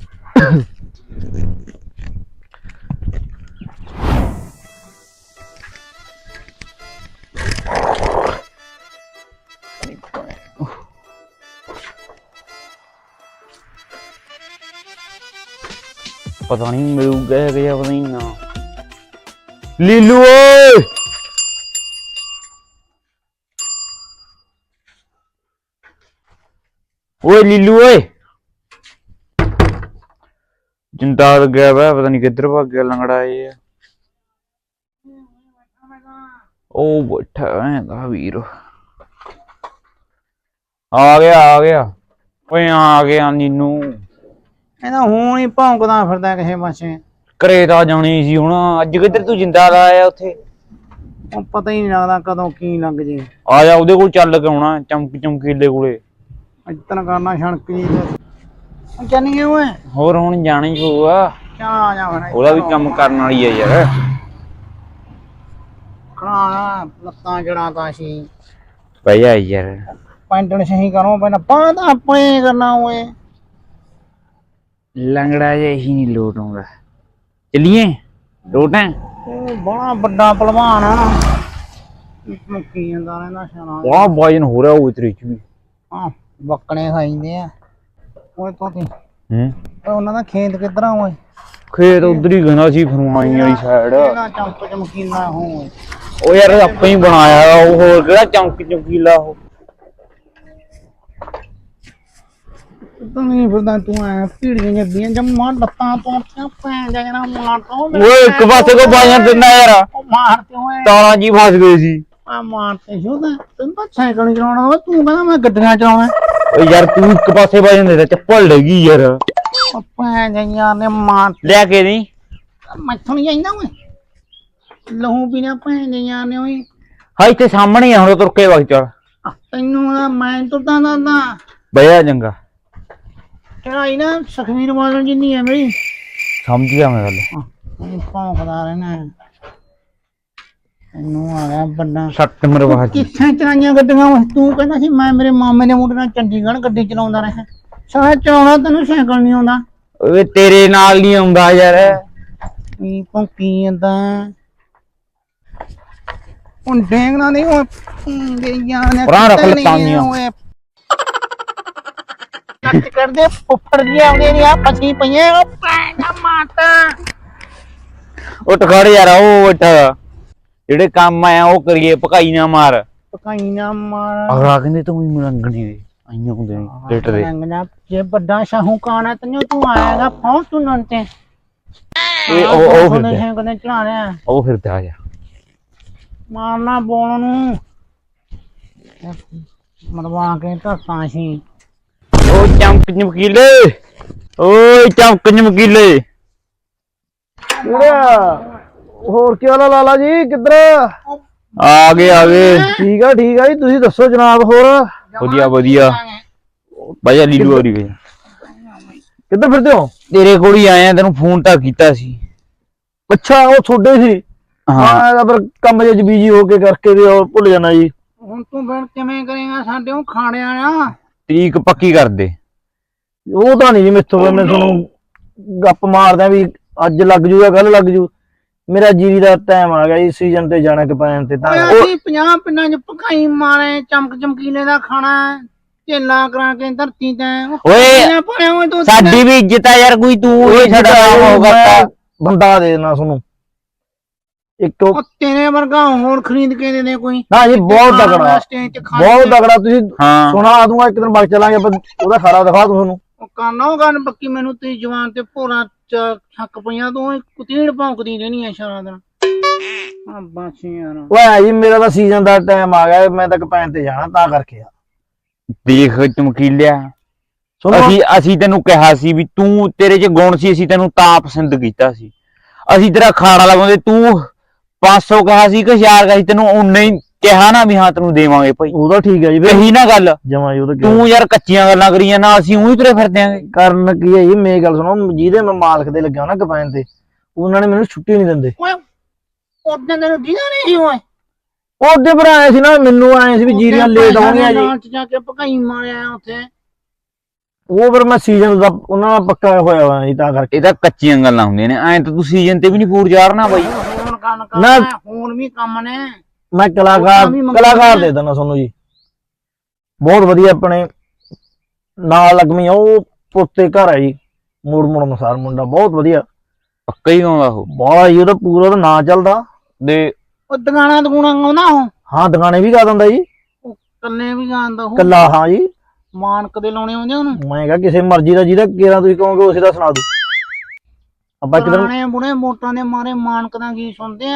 Speaker 2: ਪਤਾ ਨਹੀਂ ਮਿਲੂਗਾ ਕਿ ਪਤਾ ਨਹੀਂ ਨਾ।
Speaker 5: ਲੀਲੂ ਓਏ,
Speaker 2: ਓਏ ਲੀਲੂ ਓਏ, ਜਿੰਦਾ ਗਿਆ ਵਾ, ਪਤਾ ਨਹੀਂ ਕਿੱਧਰ ਭੱਗ ਗਿਆ ਲੰਗੜਾ ਇਹ। ਉਹ ਬੈਠਾ ਹੈਗਾ ਵੀਰ ਆ ਗਿਆ ਆ ਗਿਆ ਓਏ ਆ ਗਿਆ ਨੀਨੂ
Speaker 1: ਇਹਦਾ ਹੁਣ ਹੀ ਭੌਂਕਦਾ ਫਿਰਦਾ ਕਿਸੇ ਪਾਸੇ।
Speaker 2: ਘਰੇ ਤਾਂ ਜਾਣੀ ਸੀ ਹੁਣ ਅੱਜ ਕਿੱਧਰ ਤੂੰ ਜਿੰਦਾ ਲਾਇਆ ਉੱਥੇ
Speaker 1: ਉਹ ਪਤਾ ਹੀ ਨਹੀਂ ਲੱਗਦਾ ਕਦੋਂ ਕੀ ਲੱਗ ਜੇ।
Speaker 2: ਆ ਜਾ ਉਹਦੇ ਕੋਲ ਚੱਲ ਕੇ ਆਉਣਾ ਚਮਕ ਚਮਕੀਲੇ ਕੋਲੇ
Speaker 1: ਇਤਨਾ ਕਰਨਾ ਛਣਕ ਜੀ ਤੇ ਜਾਨੀ ਓਏ
Speaker 2: ਹੋਰ ਹੁਣ ਜਾਣਾ ਹੀ ਪਊਗਾ
Speaker 1: ਕਿਆ ਆ ਜਾ ਹੁਣ
Speaker 2: ਉਹਦਾ ਵੀ ਕੰਮ ਕਰਨ ਵਾਲੀ ਆ ਯਾਰ
Speaker 1: ਖਣਾ ਲੱਤਾਂ ਜੜਾਂ ਤਾਂ ਸੀ
Speaker 2: ਬਹਿ ਜਾ ਯਾਰ
Speaker 1: ਪੈਂਟਣ ਸਹੀ ਕਰੋ ਪਹਿਲਾਂ ਬਾਂਹ ਆਪਣੇ ਕਰਨਾ ਓਏ।
Speaker 2: ਲੰਗੜਾ ਜਿਹਾ ਹੀ ਨਹੀਂ ਲੋਟ ਆਉਂਦਾ ਚੱਲੀਏ ਲੋਟ ਹੈ
Speaker 1: ਉਹ ਬੜਾ ਵੱਡਾ ਪਹਿਲਵਾਨ ਆ ਮੁੱਕੀ ਜਾਂਦਾ ਰਹਿੰਦਾ ਸ਼ਾਨਾ।
Speaker 2: ਬੜਾ ਵਜਨ ਹੋ ਰਿਹਾ ਉਹ ਤੇਰੇ ਚ ਵੀ
Speaker 1: ਹਾਂ ਬੱਕਣੇ ਖਾਈਂਦੇ ਆ ਓਏ ਤੋਤੀ
Speaker 2: ਹੂੰ
Speaker 1: ਓਏ ਉਹਨਾਂ ਦਾ ਖੇਤ ਕਿੱਧਰ ਆ ਓਏ?
Speaker 2: ਖੇਤ ਉਧਰ ਹੀ ਗੰਦਾ ਸੀ ਫਰਮਾਈ ਵਾਲੀ ਸਾਈਡ
Speaker 1: ਇਹਨਾਂ ਚਮਕ ਚਮਕੀਲਾ ਹੋ ਓਏ।
Speaker 2: ਉਹ ਯਾਰ ਆਪਾਂ ਹੀ ਬਣਾਇਆ ਉਹ ਹੋਰ ਕਿਹੜਾ ਚਮਕ ਚਮਕੀਲਾ ਉਹ
Speaker 1: ਤੂੰ ਨਹੀਂ ਫਿਰਦਾ ਤੂੰ ਐ ਭੀੜੀਆਂ ਜੱਦੀਆਂ ਜੰਮਾ ਲੱਤਾਂ ਤੋਂ ਭੈਣ ਜਾ ਜਣਾ ਮਾਰ ਤੋਂ
Speaker 2: ਓਏ ਇੱਕ ਪਾਸੇ ਕੋ ਬਾਜਣ ਦਿੰਦਾ ਯਾਰ
Speaker 1: ਮਾਰ ਤੇ ਓਏ
Speaker 2: ਤਾਲਾਂ ਜੀ ਫਸ ਗਏ ਸੀ
Speaker 1: ਆ ਮਾਰ ਤੇ ਸ਼ੋਦਾ ਤੈਨੂੰ ਤਾਂ ਸਾਈਕਲ ਨਹੀਂ ਚਲਾਉਣਾ ਓਏ ਤੂੰ ਕਹਿੰਦਾ ਮੈਂ ਗੱਡੀਆਂ ਚਲਾਉਣਾ।
Speaker 2: ਓਏ ਯਾਰ ਤੂੰ ਇੱਕ ਪਾਸੇ ਬਾਜਣ ਦੇ ਚੱਪਲ ਲੱਗੀ ਯਾਰ
Speaker 1: ਉਹ ਭੈਣ ਜਾ ਯਾਰ ਨੇ ਮਾਰ
Speaker 2: ਲੈ ਕੇ ਨਹੀਂ
Speaker 1: ਮੈਥੋਂ ਨਹੀਂ ਜਾਂਦਾ ਓਏ ਲਹੂ ਪੀਣਾ ਭੈਣ ਜਾ ਯਾਰ ਨੇ ਓਏ।
Speaker 2: ਹਾਂ ਇੱਥੇ ਸਾਹਮਣੇ ਆ ਹੁਣ ਤੁਰ ਕੇ ਵਗ ਚੱਲ
Speaker 1: ਆ, ਤੈਨੂੰ ਨਾ ਮੈਂ ਤੁਰਦਾ ਦਾਦਾ
Speaker 2: ਬਈਆ ਚੰਗਾ
Speaker 1: ਚੜਾਈ ਨਾ ਸੁਖਵੀਰ ਬਾਦਲ ਜਿੰਨੀ ਹੈ ਮੇਰੀ
Speaker 2: ਸਮਝ ਗਿਆ ਮੈਂ ਗੱਲ
Speaker 1: ਮੈਂ ਭੌਂਕਦਾ ਰਹਿਣਾ ਤੈਨੂੰ ਆ ਗਿਆ ਵੱਡਾ
Speaker 2: ਸੱਟ ਮਰਵਾ ਜੀ
Speaker 1: ਕਿੱਥੇ ਚਲਾਈਆਂ ਗੱਡੀਆਂ ਓਏ ਤੂੰ ਕਹਿੰਦਾ ਸੀ ਮੈਂ ਮੇਰੇ ਮਾਮੇ ਦੇ ਮੁੰਡੇ ਨਾਲ ਚੰਡੀਗੜ੍ਹ ਗੱਡੀ ਚਲਾਉਂਦਾ ਰਿਹਾ ਸਾਰਾ ਚਲਾਉਣਾ ਤੈਨੂੰ ਸਾਈਕਲ ਨਹੀਂ ਆਉਂਦਾ।
Speaker 2: ਓਏ ਤੇਰੇ ਨਾਲ ਨਹੀਂ ਆਉਂਦਾ ਯਾਰ
Speaker 1: ਕੀ ਭੌਂਕੀ ਜਾਂਦਾ ਹੁਣ ਡੇਂਗਣਾ ਨਹੀਂ ਓਏ ਗਈਆਂ ਨੇ
Speaker 2: ਪਰਾਂ ਰੱਖ ਲੱਤਾਂ ਦੀਆਂ।
Speaker 1: ਓਏ ਕੱਟ ਕਰਦੇ ਫੁੱਫੜ ਜੀ ਆਉਂਦੇ ਨਹੀਂ ਆ ਫਸੀ ਪਈਆਂ ਓ ਪੈਣਾ ਮਾਤਾ
Speaker 2: ਉੱਠ ਖੜ ਯਾਰ ਉਹ ਉੱਠ ਜਿਹੜੇ ਕੰਮ ਆਇਆ ਉਹ ਕਰੀਏ ਭਕਾਈ ਨਾ ਮਾਰ
Speaker 1: ਪਕਾਈ ਨਾ ਮਾਰ
Speaker 2: ਅਗਲਾ ਕਹਿੰਦੇ ਤੂੰ ਵੀ ਮਲੰਗਣੀ ਦੇ ਆਈਆਂ ਹੁੰਦੇ ਨੇ ਲੇਟ ਦੇ
Speaker 1: ਲੰਗਣਾ ਜੇ ਵੱਡਾ ਸ਼ਾਹੂਕਾਰ ਹੈ ਤੈਨੂੰ ਤੂੰ ਆਏਗਾ ਫੌਂ ਤੂੰ ਨੰ ਤੇ
Speaker 2: ਓਏ ਉਹ ਉਹ
Speaker 1: ਉਹਨੇ
Speaker 2: ਫਿਰਦਾ
Speaker 1: ਕਦੇ ਚਲਾ ਰਿਹਾ
Speaker 2: ਉਹ ਫਿਰਦਾ ਆ ਜਾ
Speaker 1: ਮਾਰਨਾ ਬੋਲ ਨੂੰ ਮਰਵਾ ਕੇ ਧਰਤਾ ਸੀ।
Speaker 2: ਓ ਚਮਕ ਚਮਕੀਲੇ ਓਏ ਚਮਕ ਚਮਕੀਲੇ
Speaker 5: ਹੋਰ ਕੀ ਹਾਲ ਆ ਲਾਲਾ ਜੀ ਕਿੱਧਰ?
Speaker 2: ਆ ਗਏ ਆ ਗਏ
Speaker 5: ਠੀਕ ਆ ਠੀਕ ਆ ਜੀ ਤੁਸੀਂ ਦੱਸੋ ਜਨਾਬ ਹੋਰ
Speaker 2: ਵਧੀਆ ਵਧੀਆ ਬਾਜਾ ਲੀਲੂ ਹੋਰੀ ਗਏ
Speaker 5: ਕਿੱਧਰ ਫਿਰਦੇ ਹੋ?
Speaker 2: ਤੇਰੇ ਕੋਲ ਹੀ ਆਇਆ ਤੈਨੂੰ ਫੋਨ ਤਾਂ ਕੀਤਾ ਸੀ।
Speaker 5: ਅੱਛਾ ਉਹ ਤੁਹਾਡੇ ਸੀ
Speaker 2: ਹਾਂ
Speaker 5: ਹਾਂ ਪਰ ਕੰਮ ਜੇ ਬੀਜੀ ਹੋ ਕੇ ਕਰਕੇ ਵੀ ਉਹ ਭੁੱਲ ਜਾਣਾ ਜੀ।
Speaker 1: ਹੁਣ ਤੂੰ ਫਿਰ ਕਿਵੇਂ ਕਰੇਗਾ ਸਾਡੇ ਉਹ ਖਾਣੇ ਵਾਲਾ
Speaker 2: ਤਰੀਕ ਪੱਕੀ ਕਰ ਦੇ
Speaker 5: ਉਹ ਤਾਂ ਨਹੀਂ ਜੀ ਮੈਥੋਂ ਮੈਂ ਤੁਹਾਨੂੰ ਗੱਪ ਮਾਰਦਾ ਵੀ ਅੱਜ ਲੱਗ ਜੂਗਾ ਕੱਲ ਲੱਗ ਜੂ ਮੇਰਾ ਜੀਰੀ ਦਾ ਟਾਈਮ ਆ ਗਿਆ ਜੀ ਸੀਜ਼ਨ ਤੇ ਜਾਣਾ ਕਪੈਨ ਤੇ ਤਾਂ
Speaker 1: ਓਏ ਅਸੀਂ ਪੰਜਾਹ ਪਿੰਡਾਂ ਚ ਭਕਾਈ ਮਾਰੇ ਚਮਕ ਚਮਕੀਲੇ ਦਾ ਖਾਣਾ ਢੇਲਾ ਕਰਾ ਕੇ ਧਰਤੀ ਤੇ
Speaker 2: ਓਏ
Speaker 1: ਪਾਇਆ ਓਏ ਤੂੰ
Speaker 2: ਸਾਡੀ ਵੀ ਇੱਜ਼ਤ ਆ ਯਾਰ ਕੋਈ ਤੂੰ ਹੀ ਸਾਡਾ ਨਾਮ ਹੋਗਾ
Speaker 5: ਮੈਂ ਬੰਦਾ ਦੇ ਦੇਣਾ ਤੁਹਾਨੂੰ ਇੱਕ
Speaker 1: ਉਹ ਤੇਰੇ ਵਰਗਾ ਹੋਰ ਖਰੀਦ ਕੇ ਦੇ ਦੇ ਕੋਈ
Speaker 5: ਨਾ ਜੀ ਬਹੁਤ ਤਗੜਾ
Speaker 1: ਸਟੇਜ ਤੇ ਖਾ
Speaker 5: ਬਹੁਤ ਤਗੜਾ ਤੁਸੀਂ
Speaker 2: ਹਾਂ
Speaker 5: ਸੁਣਾ ਦੂੰਗਾ ਇੱਕ ਦਿਨ ਬਾਅਦ ਚਲਾਂਗੇ ਆਪਾਂ ਉਹਦਾ ਖਾਰਾ ਦਿਖਾ ਦੂੰ ਤੁਹਾਨੂੰ
Speaker 1: ਉਹ ਕਰਨਾ ਉਹ ਗੱਲ ਪੱਕੀ ਮੈਨੂੰ ਤੇਰੀ ਜਵਾਨ ਤੇ ਭੋਰਾ ਛੱਕ ਪਈਆਂ ਤੂੰ ਕੁਤੀੜ ਭੌਂਕਦੀ ਰਹਿਣੀ ਆ ਸਾਰਾ ਦਿਨ ਆ ਬਸ ਯਾਰ
Speaker 5: ਓਏ ਜੀ ਮੇਰਾ ਤਾਂ ਸੀਜ਼ਨ ਦਾ ਟਾਈਮ ਆ ਗਿਆ ਮੈਂ ਤਾਂ ਕਪੈਨ ਤੇ ਜਾਣਾ ਤਾਂ ਕਰਕੇ ਆ
Speaker 2: ਦੇਖ ਚਮਕੀਲਿਆ
Speaker 5: ਸੁਣੋ
Speaker 2: ਅਸੀਂ ਅਸੀਂ ਤੈਨੂੰ ਕਿਹਾ ਸੀ ਵੀ ਤੂੰ ਤੇਰੇ 'ਚ ਗੁਣ ਸੀ ਅਸੀਂ ਤੈਨੂੰ ਤਾਂ ਪਸੰਦ ਕੀਤਾ ਸੀ ਅਸੀਂ ਤੇਰਾ ਖਾਣਾ ਲਗਾਉਂਦੇ ਤੂੰ ਪੰਜ ਸੌ ਕਿਹਾ ਸੀ ਕਿ ਹਜ਼ਾਰ ਕਿਹਾ ਸੀ ਤੈਨੂੰ ਉਨੇ ਹੀ ਕਿਹਾ ਨਾ ਵੀ ਹਾਂ ਤੈਨੂੰ ਦੇਵਾਂਗੇ ਭਾਈ
Speaker 5: ਉਹਦਾ ਠੀਕ ਹੈ ਜੀ
Speaker 2: ਕਹੀ ਨਾ ਗੱਲ
Speaker 5: ਜਮਾ ਜੀ ਉਹਦਾ
Speaker 2: ਤੂੰ ਯਾਰ ਕੱਚੀਆਂ ਗੱਲਾਂ ਕਰੀਆਂ ਨਾ ਅਸੀਂ ਉਹੀ ਤੁਰੇ ਫਿਰਦੇ ਆਂਗੇ
Speaker 5: ਕਰਨ ਕੀ ਹੈ ਜੀ ਮੇਰੀ ਗੱਲ ਸੁਣੋ ਜਿਹਦੇ ਮੈਂ ਮਾਲਕ ਦੇ ਲੱਗਿਆ ਨਾ ਕਪੈਨ ਤੇ ਉਹਨਾਂ ਨੇ ਮੈਨੂੰ ਛੁੱਟੀ ਨਹੀਂ ਦਿੰਦੇ
Speaker 1: ਓਏ ਉਹਦੇ ਤੈਨੂੰ ਦੀਦਾ ਨਹੀਂ ਸੀ ਓਏ
Speaker 5: ਉਹਦੇ ਪਰ ਆਏ ਸੀ ਨਾ ਮੈਨੂੰ ਆਏ ਸੀ ਵੀ ਜੀਰੀਆਂ ਲੇਟ ਆਉਣੀਆਂ ਜੀ
Speaker 1: ਚ ਜਾ ਕੇ ਭਕਾਈ ਮਾਰਿਆ ਉੱਥੇ
Speaker 5: ਉਹ ਫਿਰ ਮੈਂ ਸੀਜ਼ਨ ਦਾ ਉਹਨਾਂ ਨਾਲ ਪੱਕਾ ਹੋਇਆ ਹੋਇਆ ਜੀ ਤਾਂ ਕਰਕੇ
Speaker 2: ਇਹ ਤਾਂ ਕੱਚੀਆਂ ਗੱਲਾਂ ਹੁੰਦੀਆਂ ਨੇ ਐਂ ਤਾਂ ਤੂੰ ਸੀਜ਼ਨ ਤੇ ਵੀ ਨਹੀਂ ਪੂਰ ਚਾੜਨਾ ਬਾਈ
Speaker 1: ਹੁਣ ਕੰਮ
Speaker 5: ਨਾ-
Speaker 1: ਕਰਨਾ ਹੁਣ ਵੀ ਕੰਮ ਨੇ
Speaker 5: ਮੈਂ ਕਲਾਕਾਰ
Speaker 1: ਉਹ ਤਾਂ ਵੀ ਮੰਗਦੇ
Speaker 5: ਕਲਾਕਾਰ
Speaker 1: ਨੇ।
Speaker 5: ਦੇ ਦਿੰਦਾ ਤੁਹਾਨੂੰ ਜੀ ਬਹੁਤ ਵਧੀਆ ਆਪਣੇ ਨਾਲ ਲੱਗਮੀ ਉਹ ਪੁੱਤੇ ਘਰ ਹੈ ਜੀ ਮੋੜ ਮੋੜ ਅਨੁਸਾਰ ਮੁੰਡਾ ਬਹੁਤ ਵਧੀਆ
Speaker 2: ਪੱਕਾ ਹੀ ਆਉਂਦਾ ਉਹ
Speaker 5: ਬਾਹਲਾ ਜੀ ਉਹਦਾ ਪੂਰਾ ਉਹਦਾ ਨਾਂ ਚੱਲਦਾ
Speaker 2: ਦੇ
Speaker 1: ਉਹ ਦੁਕਾਨਾਂ ਦੁਕਾਨਾਂ ਆਉਂਦਾ ਉਹ
Speaker 5: ਹਾਂ ਦੁਕਾਨੇ ਵੀ ਗਾ ਦਿੰਦਾ ਜੀ
Speaker 1: ਕੱਲੇ ਵੀ ਗਾਉਂਦਾ ਉਹ
Speaker 5: ਕੱਲਾ ਹਾਂ ਜੀ
Speaker 1: ਮਾਨਕ ਦੇ ਲਾਉਣੇ ਆਉਂਦੇ ਉਹਨੂੰ
Speaker 5: ਮੈਂ ਕਿਹਾ ਕਿਸੇ ਮਰਜ਼ੀ ਦਾ ਜਿਹਦਾ ਕਿਹੜਾ ਤੁਸੀਂ ਕਹੋਗੇ ਉਸੇ ਦਾ ਸੁਣਾ ਦੂ ਆਪਾਂ ਇੱਕ ਦਿਨ
Speaker 1: ਪੁਰਾਣੇ ਬੁੜੇ ਮੋਟਾਂ ਦੇ ਮਾਰੇ ਮਾਨਕ ਦਾ ਗੀਤ ਸੁਣਦੇ ਆ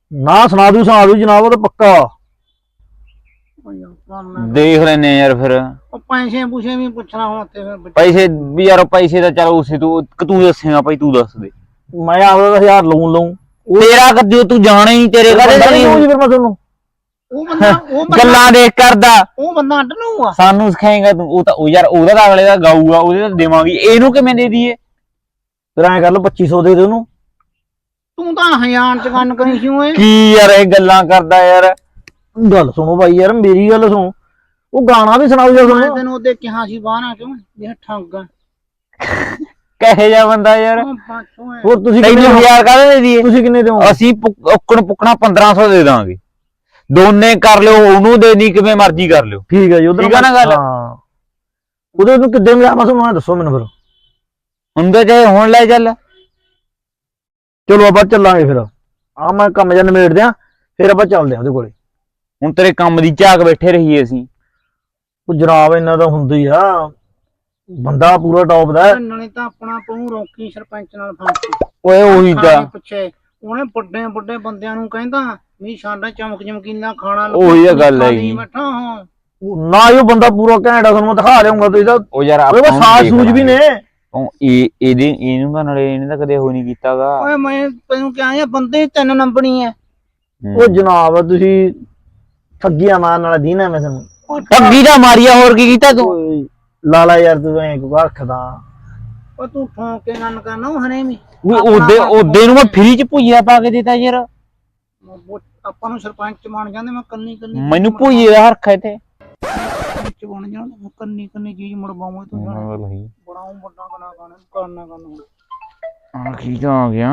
Speaker 5: ਨਾ ਸੁਣਾ ਦੂ ਸੁਣਾ ਦੂ ਜਨਾਬ ਉਹ ਤਾਂ ਪੱਕਾ।
Speaker 1: ਓ ਯਾਰ ਕਰਨਾ
Speaker 2: ਦੇਖ ਲੈਨੇ ਯਾਰ ਫਿਰ
Speaker 1: ਉਹ ਪੈਸੇ ਪੂਸੇ ਵੀ ਪੁੱਛਣਾ ਹੁਣ ਤੇ ਫਿਰ ਬੱਚੇ-
Speaker 2: ਪੈਸੇ ਵੀ ਯਾਰ ਪੈਸੇ ਤਾਂ ਚਲ ਉਸੇ ਤੂੰ ਤੂੰ ਦੱਸੇਗਾ ਭਾਈ ਤੂੰ ਦੱਸ ਦੇ।
Speaker 5: ਮੈਂ ਆਪਦਾ ਤਾਂ ਹਜ਼ਾਰ ਲਊਂ ਲਊਂ
Speaker 2: ਤੇਰਾ ਕਦੇ ਤੂੰ ਜਾਣਾ ਹੀ ਤੇਰੇ
Speaker 5: ਬੰਦਾ
Speaker 2: ਕਦੇ
Speaker 5: ਨਹੀਂ ਲਊਂ ਜੀ ਫਿਰ ਮੈਂ ਤੁਹਾਨੂੰ।
Speaker 1: ਉਹ ਬੰਦਾ ਉਹ ਬੰਦਾ
Speaker 2: ਗੱਲਾਂ ਦੇਖ ਕਰਦਾ
Speaker 1: ਉਹ ਬੰਦਾ ਅੱਡ ਨੂੰ ਆ।
Speaker 2: ਸਾਨੂੰ ਸਿਖਾਏਗਾ ਤੂੰ ਉਹ ਤਾਂ ਉਹ ਯਾਰ ਉਹਦਾ ਤਾਂ ਅਗਲੇ ਦਾ ਗਾਊਗਾ ਉਹਦੇ ਤਾਂ ਦੇਵਾਂਗੀ ਇਹਨੂੰ ਕਿਵੇਂ ਦੇ ਦਈਏ।
Speaker 5: ਫਿਰ ਐਂ ਕਰ ਲਓ ਪੱਚੀ ਸੌ ਦੇ ਦੇ ਉਹਨੂੰ।
Speaker 1: ਤੂੰ ਤਾਂ ਹਜ਼ਾਰ ਚ ਕੰਨ ਕਰੀ ਸੀ ਓਏ।
Speaker 2: ਕੀ ਯਾਰ ਇਹ ਗੱਲਾਂ ਕਰਦਾ ਯਾਰ।
Speaker 5: ਗੱਲ ਸੁਣੋ ਬਾਈ ਯਾਰ ਮੇਰੀ ਗੱਲ ਸੁਣੋ ਉਹ ਗਾਣਾ ਵੀ ਸੁਣਾਓ ਜੀ
Speaker 1: ਮੈਂ
Speaker 5: ਤੁਹਾਨੂੰ।
Speaker 1: ਤੈਨੂੰ ਉਹਦੇ ਕਿਹਾ ਸੀ ਬਾਹਰ ਕਿਉਂ ਇਹ ਠੱਗ ਆ।
Speaker 2: ਕਹੇ ਜਾ ਬੰਦਾ ਯਾਰ।
Speaker 1: ਉਹ ਬਸ ਓਏ।
Speaker 5: ਹੋਰ ਤੁਸੀਂ
Speaker 2: ਤੈਨੂੰ
Speaker 5: ਕਿੰਨੇ
Speaker 2: ਹਜ਼ਾਰ ਕਾਹਦੇ ਦੇ ਦਈਏ।
Speaker 5: ਤੁਸੀਂ ਕਿੰਨੇ ਦਿਓ?
Speaker 2: ਅਸੀਂ ਪੁੱਕ- ਔਕਣ ਪੁੱਕਣਾ ਪੰਦਰਾਂ ਸੌ ਦੇ ਦਾਂਗੇ ਦੋਨੇ ਕਰ ਲਿਓ ਉਹਨੂੰ ਦੇ ਦੀ ਕਿਵੇਂ ਮਰਜ਼ੀ ਕਰ ਲਿਓ।
Speaker 5: ਠੀਕ ਹੈ ਜੀ ਉਧਰ
Speaker 2: ਠੀਕ ਆ ਨਾ ਗੱਲ?
Speaker 5: ਹਾਂ ਉਹਦੇ ਨੂੰ ਕਿੱਦਾਂ ਮਿਲਿਆ ਮੈਂ ਤੁਹਾਨੂੰ ਐਂ ਦੱਸੋ ਮੈਨੂੰ ਫਿਰ।
Speaker 2: ਹੁੰਦਾ ਚਾਹੇ ਹੁਣ ਲੈ ਚੱਲ।
Speaker 5: ਚਲੋ ਆਪਾਂ ਚੱਲਾਂਗੇ ਫਿਰ ਆ ਮੈਂ ਕੰਮ ਜਾਂ ਨਿਬੇੜ ਦਿਆਂ ਫਿਰ ਆਪਾਂ ਚੱਲਦੇ ਆਂ ਉਹਦੇ ਕੋਲੇ।
Speaker 2: ਹੁਣ ਤੇਰੇ ਕੰਮ ਦੀ ਝਾਕ ਬੈਠੇ ਰਹੀਏ ਅਸੀਂ।
Speaker 5: ਉਹ ਜਨਾਬ ਇਹਨਾਂ ਦਾ ਹੁੰਦਾ ਹੀ ਆ ਬੰਦਾ ਪੂਰਾ ਟੌਪ ਦਾ ਹੈ।
Speaker 1: ਨਾਲੇ ਤਾਂ ਆਪਣਾ ਪਹੂ ਰੋਕੀ ਸਰਪੰਚ ਨਾਲ ਫਾਂਸੀ
Speaker 2: ਓਏ ਉਹੀ ਤਾਂ
Speaker 1: ਖਾਣੇ ਪਿੱਛੇ ਉਹਨੇ ਵੱਡੇ ਵੱਡੇ ਬੰਦਿਆਂ ਨੂੰ ਕਹਿੰਦਾ ਵੀ ਸਾਡਾ ਚਮਕ ਚਮਕੀਲਾ ਖਾਣਾ
Speaker 2: ਉਹੀ ਤਾਂ ਗੱਲ
Speaker 1: ਖਾਲੀ
Speaker 2: ਹੈਗੀ।
Speaker 1: ਬੈਠਾ ਹਾਂ
Speaker 5: ਉਹ ਨਾ ਹੀ ਉਹ ਬੰਦਾ ਪੂਰਾ ਘੈਂਟ ਆ ਤੁਹਾਨੂੰ ਮੈਂ ਦਿਖਾ ਲਿਆਉਂਗਾ ਤੁਸੀਂ ਤਾਂ
Speaker 2: ਉਹ ਯਾਰ
Speaker 5: ਉਹਦੇ
Speaker 2: ਆਪਾਂ
Speaker 5: ਕੋਲ
Speaker 2: ਨੂੰ
Speaker 5: ਸਾਜ
Speaker 2: ਦੇਖ
Speaker 5: ਸੂਜ ਵੀ
Speaker 2: ਲਾਂਗੇ।
Speaker 5: ਨੇ।
Speaker 2: ਉਹ ਇਹ ਇਹਦੇ ਇਹਨੂੰ ਤਾਂ ਨਾਲੇ ਇਹਨੇ ਤਾਂ ਕਦੇ ਹੋ ਨਹੀਂ ਕੀਤਾਗਾ।
Speaker 1: ਓਏ ਮੈਂ ਤੈਨੂੰ ਕਿਹਾ ਇਹ ਬੰਦੇ ਤਿੰਨ ਨੰਬਰੀ ਐ।
Speaker 5: ਉਹ ਜਨਾਬ ਤੁਸੀਂ ਠੱਗੀਆਂ ਮਾਰਨ ਵਾਲਾ ਦੀਨ ਹੈ ਮੈਂ ਤੁਹਾਨੂੰ।
Speaker 2: ਠੱਗੀ ਦਾ ਮਾਰੀਆ ਹੋਰ ਕੀ ਕੀਤਾ ਤੂੰ।
Speaker 5: ਓਏ ਲਾਲਾ ਯਾਰ ਤੂੰ ਐਂ ਕੋ ਰੱਖਦਾ।
Speaker 1: ਓ ਤੂੰ ਠੋਕ ਕੇ ਗੱਲ ਕਰਨਾ ਉਹ ਹਨੇ ਵੀ
Speaker 2: ਵੀ ਉਹਦੇ ਉਹਦੇ ਨੂੰ ਮੈਂ ਫ੍ਰੀ ਚ ਭੁਜੀਆ ਪਾ ਕੇ ਦਿੱਤਾ ਯਾਰ।
Speaker 1: ਆਪਾਂ ਨੂੰ ਸਰਪੰਚ ਬਣ ਜਾਂਦੇ ਮੈਂ ਕੰਨੀ ਕੰਨੀ
Speaker 2: ਮੈਨੂੰ ਭੁਜੀਏ ਦਾ ਹਰਖਾ ਤੇ
Speaker 1: ਸਰਪੰਚ ਬਣ ਜਾਣਾ ਮੈਂ ਕੰਨੀ ਕੰਨੀ ਚੀਜ਼ ਮੜਵਾਵਾਂ ਤੂੰ ਜਾਣਾ ਬੜਾ ਉਹ ਵੱਡਾ ਕਨਾ ਕਰਨਾ ਕਰਨਾ ਕਰਨਾ
Speaker 2: ਆ ਕੀ ਤਾਂ ਆ ਗਿਆ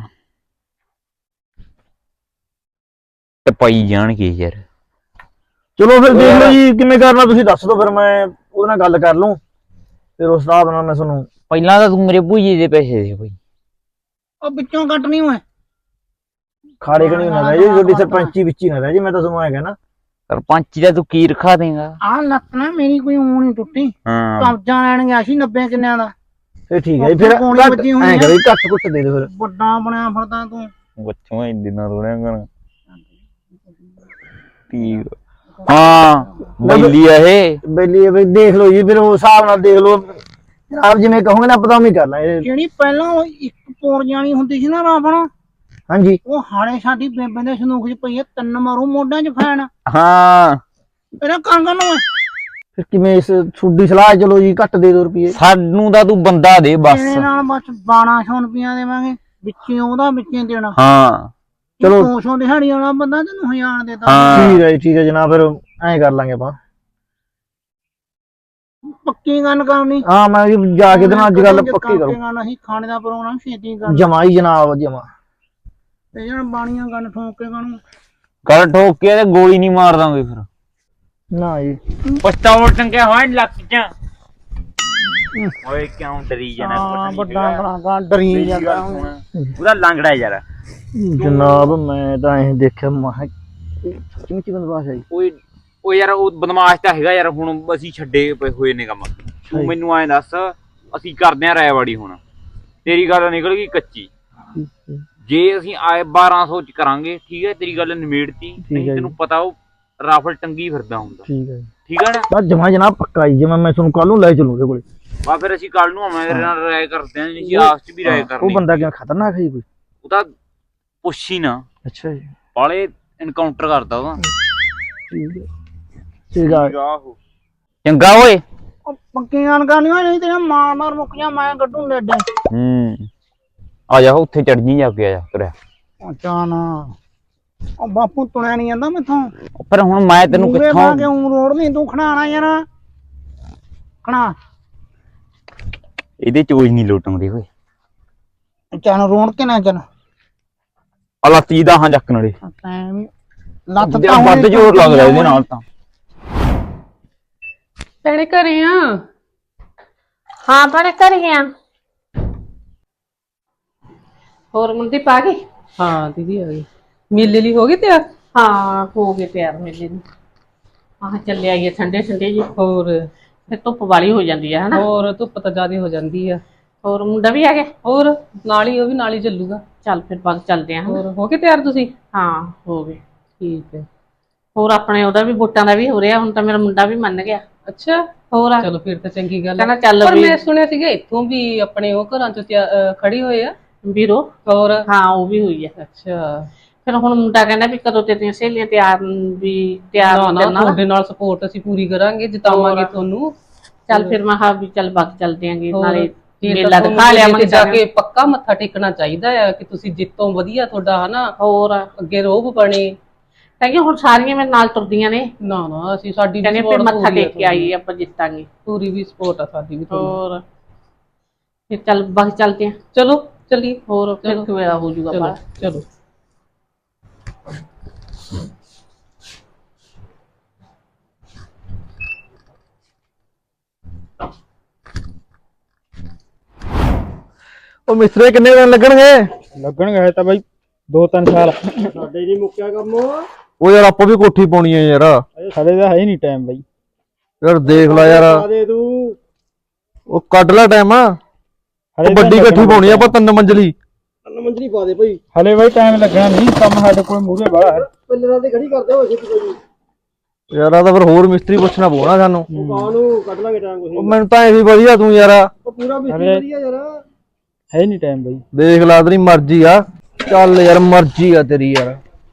Speaker 2: ਤੇ ਪਈ ਜਾਣਗੇ ਯਾਰ।
Speaker 5: ਚਲੋ ਫਿਰ ਦੇਖ ਲਓ ਜੀ ਕਿਵੇਂ ਕਰਨਾ ਤੁਸੀਂ ਦੱਸ ਦਿਓ ਫਿਰ ਮੈਂ ਉਹਦੇ ਨਾਲ ਗੱਲ ਕਰ ਲੂੰ ਫਿਰ ਉਸ ਹਿਸਾਬ ਨਾਲ ਮੈਂ ਤੁਹਾਨੂੰ।
Speaker 2: ਪਹਿਲਾਂ ਤਾਂ ਤੂੰ ਮੇਰੇ ਭੁਜੀਏ ਦੇ ਪੈਸੇ ਦੇ ਬਈ।
Speaker 1: ਉਹ ਵਿੱਚੋਂ ਕੱਟਣੀ ਓਏ
Speaker 5: ਖਾੜੇ ਕਣੀ ਨਾ ਰਹਿ ਜੀ ਤੁਹਾਡੀ ਸਰਪੰਚੀ ਵਿੱਚ ਹੀ ਨਾ ਰਹਿ ਜੀ ਮੈਂ ਤਾਂ ਤੁਹਾਨੂੰ ਐਂ ਕਹਿਣਾ।
Speaker 2: ਸਰਪੰਚੀ ਦਾ ਤੂੰ ਕੀ ਰਖਾ ਦੇਗਾ।
Speaker 1: ਆਹ ਲੱਤ ਨਾ ਮੇਰੀ ਕੋਈ ਊਂ ਨੀ ਟੁੱਟੀ
Speaker 2: ਹਾਂ
Speaker 1: ਕਬਜ਼ਾ ਲੈਣ ਗਿਆ ਸੀ ਨੱਬੇ ਕਿੰਨਿਆਂ ਦਾ
Speaker 5: ਫਿਰ ਠੀਕ ਹੈ ਜੀ ਫਿਰ
Speaker 1: ਕੋਣੀ
Speaker 5: ਘੱਟ
Speaker 1: ਵੱਜੀ ਹੋਣੀ
Speaker 5: ਐਂ
Speaker 1: ਆ।
Speaker 5: ਕਰੋ ਜੀ ਘੱਟ ਘੁੱਟ ਦੇ ਦਿਓ ਫਿਰ।
Speaker 1: ਵੱਡਾ ਬਣਿਆ ਫਿਰਦਾ ਤੂੰ
Speaker 2: ਬੱਚੋਂ ਇੰਨੇ ਨਾ ਰੋਣਿਆ ਕਰ। ਠੀਕ ਹਾਂ ਬੈਲੀ ਆ ਇਹ।
Speaker 5: ਬੇਲੀ ਬਈ ਦੇਖ ਲਓ ਜੀ ਫਿਰ ਉਸ ਹਿਸਾਬ ਨਾਲ ਦੇਖ ਲਓ ਜਨਾਬ ਜਿਵੇਂ ਕਹੋਗੇ ਨਾ ਪਤਾ ਉਵੇਂ ਕਰ ਲਾਂਗੇ।
Speaker 1: ਜਿਹੜੀ ਪਹਿਲਾਂ ਉਹ ਇੱਕ ਪੌੜ ਜਾਣੀ ਹੁੰਦੀ ਸੀ ਨਾ ਰਾਵਣ
Speaker 5: ਹਾਂਜੀ
Speaker 1: ਉਹ ਹਾਲੇ ਸਾਡੀ ਬੇਬੇ ਦੇ ਸੰਦੂਕ 'ਚ ਪਈ ਐ ਤਿੰਨ ਮਾਰੂ ਮੋਢਾਂ 'ਚ ਫੈਨ
Speaker 2: ਹਾਂ
Speaker 1: ਇਹਦਾ ਕੰਗ ਨੂੰ
Speaker 5: ਫਿਰ ਕਿਵੇਂ ਇਸ ਤੁਹਾਡੀ ਸਲਾਹ ਹੈ, ਚਲੋ ਜੀ ਘੱਟ ਦੇ ਦਿਓ ਰੁਪਏ।
Speaker 2: ਸਾਨੂੰ ਤਾਂ ਤੂੰ ਬੰਦਾ ਦੇ ਬਸ।
Speaker 1: ਇਹਦੇ ਨਾਲ ਬਸ ਬਾਰਾਂ ਸੌ ਰੁਪਈਆ ਦੇਵਾਂਗੇ ਵਿੱਚੇ ਉਹਦਾ ਵਿੱਚੇ ਦੇਣਾ।
Speaker 2: ਹਾਂ
Speaker 5: ਚਲੋ।
Speaker 1: ਦੋ ਸੌ ਦਿਹਾੜੀ ਵਾਲਾ ਬੰਦਾ ਤੈਨੂੰ ਹਜ਼ਾਰ ਦੇਤਾ
Speaker 2: ਹਾਂ।
Speaker 5: ਠੀਕ ਹੈ ਜੀ ਠੀਕ ਹੈ ਜਨਾਬ ਫਿਰ ਐਂ ਕਰ ਲਾਂਗੇ ਆਪਾਂ।
Speaker 1: ਪੱਕੀ ਗੱਲ ਕਰਨੀ
Speaker 5: ਹਾਂ ਮੈਂ ਜੀ ਜਾ ਕੇ ਤੇ ਨਾਲ ਅੱਜ ਗੱਲ ਪੱਕੀ ਕਰੂੰ।
Speaker 1: ਗੱਲ ਅਸੀਂ ਖਾਣੇ ਦਾ ਪ੍ਰੋਗਰਾਮ ਛੇਤੀ ਕਰ
Speaker 5: ਜਮਾ ਹੀ ਜਨਾਬ ਜਮਾ।
Speaker 1: ਤੇ ਜਣ ਬਾਣੀਆਂ ਗੱਲ ਠੋਕ ਕੇ ਕਾਨੂੰ
Speaker 2: ਕਰ ਠੋਕ ਕੇ ਤੇ ਗੋਲੀ ਨਹੀਂ ਮਾਰ ਦਾਂਗੇ ਫਿਰ।
Speaker 5: ਨਾ ਜੀ
Speaker 2: ਪਸਤੌਲ ਟੰਗਿਆ ਹੋਇਆ ਲੱਕ ਚ। ਓਏ ਕਿਉਂ ਡਰੀ ਜਾਣਾ
Speaker 1: ਹਾਂ ਵੱਡਾ ਕਲਾਕਾਰ ਡਰੀ ਜਾਂਦਾ
Speaker 2: ਉਹਦਾ ਲੰਗੜਾ ਯਾਰ।
Speaker 5: ਜਨਾਬ ਮੈਂ ਤਾਂ ਐਂ ਦੇਖਿਆ ਮਹਾ ਸੱਚੀ ਮੁੱਚੀ ਬੰਦਵਾਸ ਆਈ।
Speaker 2: ਓਏ ਓ ਯਾਰ ਉਹ ਬਦਮਾਸ਼ ਤਾਂ ਹੈਗਾ ਯਾਰ। ਹੁਣ ਅਸੀਂ ਛੱਡੇ ਪਏ ਹੋਏ ਨੇ ਕੰਮ। ਤੂੰ ਮੈਨੂੰ ਐਂ ਦੱਸ ਅਸੀਂ ਕਰਦੇ ਆਂ ਰਾਇਵਾੜੀ ਹੁਣ। ਤੇਰੀ ਗੱਲ ਨਿਕਲ ਗਈ ਕੱਚੀ। ਜੇ ਅਸੀਂ ਆਏ ਬਾਰਾਂ ਸੌ ਚ ਕਰਾਂਗੇ ਠੀਕ ਹੈ ਤੇਰੀ ਗੱਲ ਨਿਮੇੜਤੀ। ਨਹੀਂ ਤੈਨੂੰ ਪਤਾ ਉਹ ਰਾਫਲ ਟੰਗੀ ਫਿਰਦਾ ਹੁੰਦਾ।
Speaker 5: ਠੀਕ ਹੈ
Speaker 2: ਠੀਕ ਹੈ ਨਾ।
Speaker 5: ਬਸ ਜਮਾ ਜਨਾਬ ਪੱਕਾ ਜੀ ਜਿਵੇਂ ਮੈਂ ਤੁਹਾਨੂੰ ਕੱਲ ਨੂੰ ਲੈ ਚੱਲੂ ਉਹਦੇ ਕੋਲੇ।
Speaker 2: ਬਾ ਫਿਰ ਅਸੀਂ ਕੱਲ ਨੂੰ ਆਵਾਂਗੇ ਤੇਰੇ ਨਾਲ ਰਾਏ ਕਰਦੇ ਆਂ। ਨਹੀਂ ਆਸ ਚ ਵੀ ਰਾਏ
Speaker 5: ਉਹ
Speaker 2: ਕਰਨੀ।
Speaker 5: ਬੰਦਾ ਕਿਵੇਂ ਖਤਰਨਾਕ ਹੈ ਜੀ ਕੋਈ?
Speaker 2: ਉਹ ਤਾਂ ਪੁੱਛ ਹੀ ਨਾ
Speaker 5: ਅੱਛਾ ਜੀ
Speaker 2: ਬਾਲੇ ਐਨਕਾਊਂਟਰ ਕਰਦਾ ਉਹਦਾ।
Speaker 5: ਠੀਕ ਹੈ ਠੀਕ ਆ।
Speaker 2: ਚੰਗਾ ਓਏ।
Speaker 1: ਉਹ ਪੱਕੀ ਗੱਲ ਕਰਨੀ ਹੋਈ ਨਹੀਂ ਤੇਰਾ ਮਾਰ ਮਾਰ ਮੁੱਕ ਜਾ ਮੈਂ ਕੱਢੂ ਨੇੜੇ।
Speaker 2: ਹੂੰ ਆ ਜਾ ਉੱਥੇ ਚੜ ਜੀ ਜਾ ਕੇ ਆ ਜਾ ਤੁਰਿਆ।
Speaker 1: ਅੱਛਾ ਨਾ ਉਹ ਬਾਪੂ ਤੁਰਿਆ ਨਹੀਂ ਜਾਂਦਾ ਮੈਥੋਂ।
Speaker 2: ਪਰ ਹੁਣ ਮੈਂ ਤੈਨੂੰ
Speaker 1: ਮੂਹਰੇ
Speaker 2: ਕਿੱਥੋਂ
Speaker 1: ਲਾ ਕੇ ਊਂ ਰੋੜ ਨਹੀਂ ਤੂੰ ਖੜਾਣਾ ਯਾਰ ਖੜਾ
Speaker 2: ਇਹਦੇ ਚੋਜ ਨਹੀਂ ਲੋਟਾਉਂਦੇ ਓਏ।
Speaker 1: ਚੱਲ ਰੋਣ ਕੇ ਨਾ ਚੱਲ
Speaker 2: ਆ ਲੱਤੀ ਦਾ ਹਾਂ ਚੱਕ ਨਾਲੇ
Speaker 1: ਤੈਂ ਵੀ ਲੱਤ
Speaker 2: ਜਿਹੜਾ ਵੱਧ ਜ਼ੋਰ ਲੱਗਦਾ ਇਹਦੇ ਨਾਲ ਤਾਂ।
Speaker 7: ਭੈਣੇ ਘਰੇ ਆ।
Speaker 8: ਹਾਂ ਭੈਣੇ ਘਰੇ ਆ।
Speaker 7: ਹੋਰ ਮੁੰਡੀ ਪਾ ਗਈ? ਹਾਂ ਦੀਦੀ ਆ ਗਈ। ਮੇਲੇ ਲਈ ਹੋ ਗਈ ਤਿਆਰ?
Speaker 8: ਹਾਂ ਹੋ ਗਏ ਤਿਆਰ ਮੇਲੇ ਨੂੰ। ਆਹ ਚੱਲੇ ਆਈਏ ਠੰਡੇ ਠੰਡੇ ਜੀ।
Speaker 7: ਹੋਰ
Speaker 8: ਫਿਰ ਧੁੱਪ ਵਾਲੀ ਹੋ ਜਾਂਦੀ ਹੈ ਹਨਾ।
Speaker 7: ਹੋਰ ਧੁੱਪ ਤਾਂ ਜ਼ਿਆਦਾ ਹੋ ਜਾਂਦੀ ਆ।
Speaker 8: ਹੋਰ ਮੁੰਡਾ ਵੀ ਆ ਗਿਆ?
Speaker 7: ਹੋਰ ਨਾਲ ਹੀ ਉਹ ਵੀ ਨਾਲ ਹੀ ਚੱਲੂਗਾ।
Speaker 8: ਚੱਲ ਫਿਰ ਬਾਗ ਚੱਲਦੇ ਆਂ।
Speaker 7: ਹੋਰ ਹੋ ਕੇ ਤਿਆਰ ਤੁਸੀਂ?
Speaker 8: ਹਾਂ ਹੋ ਗਏ।
Speaker 7: ਠੀਕ ਹੈ।
Speaker 8: ਹੋਰ ਆਪਣੇ ਉਹਦਾ ਵੀ ਵੋਟਾਂ ਦਾ ਵੀ ਹੋ ਰਿਹਾ, ਹੁਣ ਤਾਂ ਮੇਰਾ ਮੁੰਡਾ ਵੀ ਮੰਨ ਗਿਆ।
Speaker 7: ਅੱਛਾ
Speaker 8: ਹੋਰ
Speaker 7: ਚਲੋ ਫਿਰ ਤਾਂ ਚੰਗੀ ਗੱਲ
Speaker 8: ਕਹਿੰਦਾ
Speaker 7: ਹੈ।
Speaker 8: ਚੱਲ
Speaker 7: ਪਰ
Speaker 8: ਵੀ
Speaker 7: ਮੈਂ ਸੁਣਿਆ ਸੀਗਾ ਇੱਥੋਂ ਵੀ ਆਪਣੇ ਉਹ ਘਰਾਂ ਚ ਤਿਆ- ਅਹ ਖੜੀ ਹੋਏ ਆ।
Speaker 8: ਵੀਰੋ।
Speaker 7: ਹੋਰ
Speaker 8: ਹਾਂ ਉਹ ਵੀ ਹੋਈ ਹੈ।
Speaker 7: ਅੱਛਾ।
Speaker 8: ਫਿਰ ਹੁਣ ਮੁੰਡਾ ਕਹਿੰਦਾ ਵੀ ਕਦੋਂ ਤੇਰੀਆਂ ਸਹੇਲੀਆਂ ਤਿਆਰ ਵੀ ਤਿਆਰ
Speaker 7: ਨਾ ਨਾ
Speaker 8: ਤੇਰੇ ਨਾਲ।
Speaker 7: ਤੁਹਾਡੇ ਨਾਲ ਸਪੋਰਟ ਅਸੀਂ ਪੂਰੀ ਕਰਾਂਗੇ, ਜਿਤਾਵਾਂਗੇ
Speaker 8: ਹੋਰ।
Speaker 7: ਤੁਹਾਨੂੰ।
Speaker 8: ਚੱਲ ਫਿਰ ਮੈਂ ਕਿਹਾ ਵੀ ਚੱਲ ਬਾਗ ਚੱਲਦੇ ਆਂਗੇ,
Speaker 7: ਹੋਰ।
Speaker 8: ਨਾਲੇ
Speaker 7: ਫਿਰ
Speaker 8: ਮੇਲਾ
Speaker 7: ਤਾਂ
Speaker 8: ਦਿਖਾ
Speaker 7: ਤੁਹਾਨੂੰ
Speaker 8: ਲਿਆਵਾਂਗੇ
Speaker 7: ਜਾ
Speaker 8: ਸਾਰਿਆਂ
Speaker 7: ਕੇ
Speaker 8: ਨੂੰ।
Speaker 7: ਪੱਕਾ ਮੱਥਾ ਟੇਕਣਾ ਚਾਹੀਦਾ ਹੈ ਕਿ ਤੁਸੀਂ ਜਿੱਤੋਂ ਵਧੀਆ ਤੁਹਾਡਾ ਹਨਾ
Speaker 8: ਹੋਰ
Speaker 7: ਅੱਗੇ ਰੋਹਬ ਬਣੇ।
Speaker 8: ਕਹਿੰਦੇ ਹੁਣ ਸਾਰੀਆਂ ਮੇਰੇ ਨਾਲ ਤੁਰਦੀਆਂ ਨੇ,
Speaker 7: ਨਾ ਨਾ ਅਸੀਂ ਸਾਡੀ ਵੀ
Speaker 8: ਕਹਿੰਦੇ ਫਿਰ
Speaker 7: support
Speaker 8: ਮੱਥਾ
Speaker 7: ਪੂਰੀ ਆ
Speaker 8: ਟੇਕ ਕੇ ਆਈਏ ਆਪਾਂ ਜਿੱਤਾਂਗੇ।
Speaker 7: ਪੂਰੀ ਵੀ ਸਪੋਰਟ ਆ ਸਾਡੀ ਵੀ ਤੁਹਾਨੂੰ।
Speaker 8: ਹੋਰ ਫਿਰ ਚੱਲ ਬਾਗ ਚੱਲਦੇ ਆਂ।
Speaker 7: ਚਲੋ ਚੱਲੀਏ।
Speaker 8: ਹੋਰ ਫਿਰ
Speaker 7: ਚਲੋ।
Speaker 8: ਕਿਵੇਂ ਹੋ ਜਾਊਗਾ
Speaker 7: ਚਲੋ
Speaker 8: ਬਾਹਰ।
Speaker 7: ਚਲੋ।
Speaker 5: ਉਹ ਮਿਸਤਰੀ ਕਿੰਨੇ ਦਿਨ ਲੱਗਣਗੇ?
Speaker 3: ਲੱਗਣਗੇ ਹਜੇ ਤਾਂ ਬਾਈ ਦੋ ਤਿੰਨ ਸਾਲ। ਸਾਡੇ ਨਹੀਂ ਮੁੱਕਿਆ ਕੰਮ।
Speaker 5: ਉਹ ਯਾਰ ਆਪਾਂ ਵੀ ਕੋਠੀ ਪਾਉਣੀ ਹੈ ਯਾਰ।
Speaker 3: ਸਾਡੇ ਦਾ ਹੈ ਨਹੀਂ ਟਾਈਮ ਬਾਈ।
Speaker 5: ਯਾਰ ਦੇਖ ਲੈ ਯਾਰ,
Speaker 3: ਦੇ ਤੂੰ
Speaker 5: ਉਹ ਕੱਢ ਲੈ ਟਾਈਮ ਆ। ਉਹ ਵੱਡੀ ਕੋਠੀ ਪਾਉਣੀ ਆ ਆਪਾਂ, ਤਿੰਨ ਮੰਜ਼ਲੀ। ਤਿੰਨ ਮੰਜ਼ਲੀ ਪਾ ਦੇ ਭਾਈ।
Speaker 3: ਹਲੇ ਬਾਈ ਟਾਈਮ ਲੱਗਣਾ ਨਹੀਂ, ਕੰਮ ਸਾਡੇ ਕੋਲ ਮੂਹਰੇ ਬਾਹਲਾ ਹੈ।
Speaker 5: ਪਿੱਲਰਾਂ ਤੇ ਖੜੀ ਕਰਦੇ ਹੋ ਛੇਤੀ। ਯਾਰ ਆ ਤਾਂ ਫਿਰ ਹੋਰ ਮਿਸਤਰੀ ਪੁੱਛਣਾ ਪਊਣਾ ਸਾਨੂੰ।
Speaker 3: ਕਾਹਨੂੰ ਕੱਢ ਲਾਂਗੇ ਟਾਈਮ
Speaker 5: ਉਹ ਮੈਨੂੰ ਤਾਂ ਇਹ ਵੀ ਵਧੀਆ ਤੂੰ ਯਾਰ।
Speaker 3: ਉਹ ਪੂਰਾ ਮਿਸਤਰੀ ਵਧੀਆ ਯਾਰ। ਹੈ ਨਹੀਂ ਟਾਈਮ ਬਾਈ।
Speaker 5: ਦੇਖ ਲਾ ਤੇਰੀ ਮਰਜ਼ੀ ਆ। ਚੱਲ ਯਾਰ ਮਰਜ਼ੀ ਆ ਤੇਰੀ ਯਾਰ।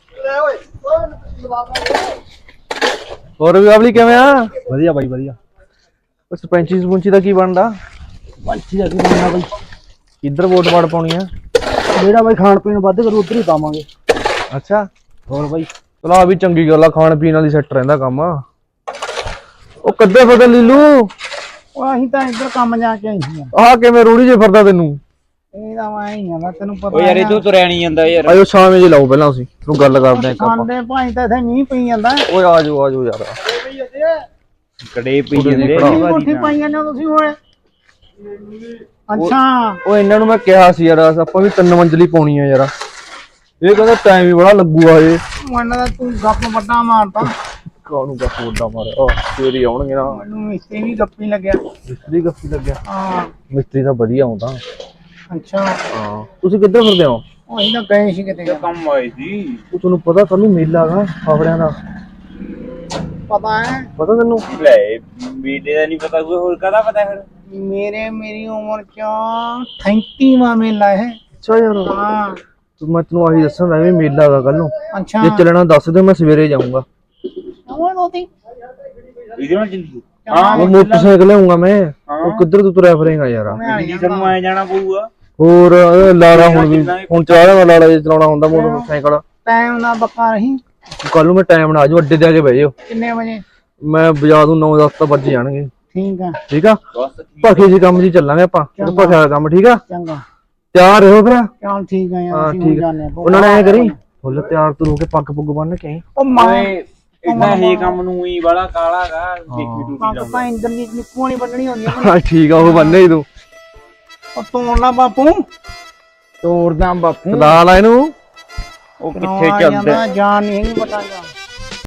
Speaker 5: ਹੋਰ ਵੀ ਆਵਲੀ ਕਿਵੇਂ ਆ?
Speaker 3: ਵਧੀਆ ਬਾਈ ਵਧੀਆ।
Speaker 5: ਉਹ ਸਰਪੰਚੀ ਸਰਪੰਚੀ ਦਾ ਕੀ ਬਣਦਾ?
Speaker 3: ਪੰਛੀ ਦਾ ਕੀ ਬਣਨਾ ਬਾਈ?
Speaker 5: ਕਿੱਧਰ ਵੋਟ ਵਾੜ ਪਾਉਣੀ ਆ?
Speaker 3: ਜਿਹੜਾ ਬਾਈ ਖਾਣ ਪੀਣ ਵੱਧ ਕਰੂ ਉਧਰ ਹੀ ਪਾਵਾਂਗੇ।
Speaker 5: ਅੱਛਾ
Speaker 3: ਹੋਰ ਬਾਈ
Speaker 5: ਚਲੋ ਆ ਵੀ ਚੰਗੀ ਗੱਲ ਆ, ਖਾਣ ਪੀਣ ਵਾਲੀ ਸੈੱਟ ਰਹਿੰਦਾ ਕੰਮ। ਉਹ ਕੱਦੇ ਫਦੇ ਲੀਲੂ,
Speaker 1: ਉਹ ਅਸੀਂ ਤਾਂ ਇੱਧਰ ਕੰਮ ਜਾ ਕੇ ਆਈ ਸੀ।
Speaker 5: ਆਹ ਕਿਵੇਂ ਰੂੜੀ ਜੇ ਫਿਰਦਾ ਤੈਨੂੰ?
Speaker 1: ਇਹ ਤਾਂ ਮੈਂ ਹੀ ਆ, ਮੈਂ ਤੈਨੂੰ ਪਤਾ
Speaker 2: ਓ ਯਾਰ ਇਹ ਤੋਂ ਤੁਰਿਆ ਨਹੀਂ ਜਾਂਦਾ ਯਾਰ।
Speaker 5: ਆਇਓ ਛਾਵੇਂ ਜੇ ਲਾਓ ਪਹਿਲਾਂ ਅਸੀਂ ਤੂੰ ਗੱਲ ਕਰਦੇ ਆਂ ਇੱਕ ਆਪਾਂ।
Speaker 1: ਸਾਡੇ ਭਾਈ ਤਾਂ ਇੱਥੇ ਮੀਂਹ ਪਈ ਜਾਂਦਾ।
Speaker 5: ਓਏ ਆ ਜਾਓ ਆ ਜਾਓ ਯਾਰ।
Speaker 2: ਕੜੇ ਪਈ ਜਾਂਦੇ
Speaker 5: ਭਰਾ।
Speaker 1: ਕੋਠੀ ਪਾਈਆਂ ਨੇ ਤੁਸੀਂ ਹੋਏ। ਅੱਛਾ
Speaker 5: ਉਹ ਇਹਨਾਂ ਨੂੰ ਮੈਂ ਕਿਹਾ ਸੀ ਯਾਰ ਆਪਾਂ ਵੀ ਤਿੰਨ ਮੰਜ਼ਲੀ ਪਾਉਣੀ ਆ ਯਾਰ। ਇਹ ਕਹਿੰਦਾ ਟਾਈਮ ਵੀ ਬੜਾ ਲੱਗੂਗਾ ਇਹ।
Speaker 1: ਮੈਨੂੰ ਤਾਂ ਤੂੰ ਗੱਪ ਵੱਡਾ ਮਾਰਦਾ।
Speaker 5: ਕਾਹਨੂੰ ਗੱਪ ਵੱਡਾ ਮਾਰਿਆ? ਆਹ ਫੇਰ ਹੀ ਆਉਣਗੇ ਨਾ।
Speaker 1: ਮੈਨੂੰ ਮਿਸਤਰੀ ਵੀ ਗੱਪੀ ਲੱਗਿਆ।
Speaker 5: ਮਿਸਤਰੀ ਗੱਪੀ ਲੱਗਿਆ?
Speaker 1: ਹਾਂ
Speaker 5: ਮਿਸਤਰੀ ਤਾਂ ਵਧੀਆ ਆਉਂਦਾ।
Speaker 1: ਅੱਛਾ
Speaker 5: ਹਾਂ ਤੁਸੀਂ ਕਿੱਧਰ ਫਿਰਦੇ ਹੋ?
Speaker 1: ਉਹ ਅਸੀਂ ਤਾਂ ਗਏ ਸੀ ਕਿਤੇ।
Speaker 2: ਕੰਮ ਆਏ ਸੀ।
Speaker 5: ਉਹ ਤੁਹਾਨੂੰ ਪਤਾ ਕੱਲ ਨੂੰ ਮੇਲਾ ਹੈਗਾ ਫਾਫੜਿਆਂ ਦਾ?
Speaker 1: ਪਤਾ ਹੈ
Speaker 5: ਪਤਾ ਤੈਨੂੰ?
Speaker 2: ਲੈ ਮੇਲੇ ਦਾ ਨਹੀਂ ਪਤਾ, ਕੋਈ ਹੋਰ ਕਾਹਦਾ ਪਤਾ ਫਿਰ?
Speaker 1: ਮੇਰੇ ਮੇਰੀ ਉਮਰ ਚ ਪੈਂਤੀਵਾਂ ਮੇਲਾ ਹੈ।
Speaker 5: ਅੱਛਾ ਯਾਰ
Speaker 1: ਹਾਂ
Speaker 5: ਤੂੰ ਮੈਂ ਤੈਨੂੰ ਆਹੀ ਦੱਸਣ ਦਾ ਵੀ ਮੇਲਾ ਹੈਗਾ ਕੱਲ ਨੂੰ।
Speaker 1: ਅੱਛਾ
Speaker 5: ਜੇ ਚੱਲਣਾ ਦੱਸ ਦਿਓ ਮੈਂ ਸਵੇਰੇ ਜਾਊਂਗਾ।
Speaker 1: ਉਹ ਦੋਤੀ
Speaker 2: ਇਹਦੇ ਨਾਲ ਚੱਲੀ
Speaker 1: ਹਾਂ
Speaker 5: ਉਹ ਮੋਟਰਸਾਈਕਲ ਲਿਆਉਂਗਾ ਮੈਂ। ਉਹ ਕਿੱਧਰ ਤੂੰ ਤੁਰਿਆ ਫਿਰੇਗਾ ਯਾਰ?
Speaker 2: ਦਿੱਲੀ ਸਾਨੂੰ ਆਏ ਜਾਣਾ ਪਊਗਾ।
Speaker 5: ਹੋਰ ਇਹ ਲਾਲਾ ਹੁਣ ਵੀ ਹੁਣ ਚਾਹ ਦਾ ਲਾਲਾ ਜੇ ਚਲਾਉਣਾ ਹੁੰਦਾ ਮੋਟਰਸਾਈਕਲ।
Speaker 1: ਟਾਈਮ ਨਾਲ ਬੱਕਾ ਰਹੀ।
Speaker 5: ਕੱਲ ਨੂੰ ਮੈਂ ਟਾਈਮ ਨਾਲ ਆ ਜਾਊ, ਅੱਡੇ ਤੇ ਆ ਕੇ ਬਹਿ ਜਾਓ।
Speaker 1: ਕਿੰਨੇ ਵਜੇ?
Speaker 5: ਮੈਂ ਬਜਾ ਦੂੰ ਨੌ ਦਸ ਤਾਂ ਵੱਜ ਜਾਣਗੇ।
Speaker 1: ਠੀਕ ਆ
Speaker 5: ਠੀਕ ਆ
Speaker 2: ਬਸ
Speaker 5: ਭਖੇ ਜੀ ਕੰਮ ਜੀ ਚੱਲਾਂਗੇ ਆਪਾਂ। ਭਖਿਆ ਦਾ ਕੰਮ ਠੀਕ ਆ।
Speaker 1: ਚੰਗਾ
Speaker 5: ਤਿਆਰ ਰਹੋ ਫਿਰ।
Speaker 1: ਚੱਲ ਠੀਕ ਆ ਯਾਰ
Speaker 5: ਹਾਂ
Speaker 1: ਅਸੀਂ ਹੁਣ
Speaker 5: ਠੀਕ ਆ।
Speaker 1: ਜਾਂਦੇ ਆ।
Speaker 5: ਉਹਨਾਂ ਨੇ ਐ ਕਰੀ ਫੁੱਲ ਤਿਆਰ ਤੂੰ ਹੋ ਕੇ ਪੱਗ ਪੁੱਗ ਬੰਨ ਕੇ ਆਈ।
Speaker 1: ਉਹ ਮਾਂ
Speaker 2: ਓਏ ਇਦਾਂ ਇਹ ਕੰਮ ਨੂੰ ਹੀ ਬੜਾ ਕਾਲਾਗਾ। ਦੇਖੀ ਟੂਟੀ
Speaker 1: ਪੱਗ
Speaker 2: ਲਾਉਂਦਾ।
Speaker 1: ਤਾਂ ਇੰਦਰਜੀਤ ਨਿੱਕੂ ਨਹੀਂ ਬੰਨਣੀ ਹੁੰਦੀ ਆ।
Speaker 5: ਹਾਂ ਠੀਕ ਆ ਉਹ ਬੰਨੇ ਹੀ ਤੂੰ।
Speaker 1: ਉਹ ਤੋੜ ਲਾ ਬਾਪੂ।
Speaker 2: ਤੋੜਦਾ ਬਾਪੂ।
Speaker 5: ਲਾ ਲਾ ਇਹਨੂੰ।
Speaker 2: ਉਹ ਕਿੱਥੇ ਚੱਲਦਾ?
Speaker 1: ਜਾਨ ਨਹੀਂ ਹੈਗੀ ਪਤਾ ਜਾ।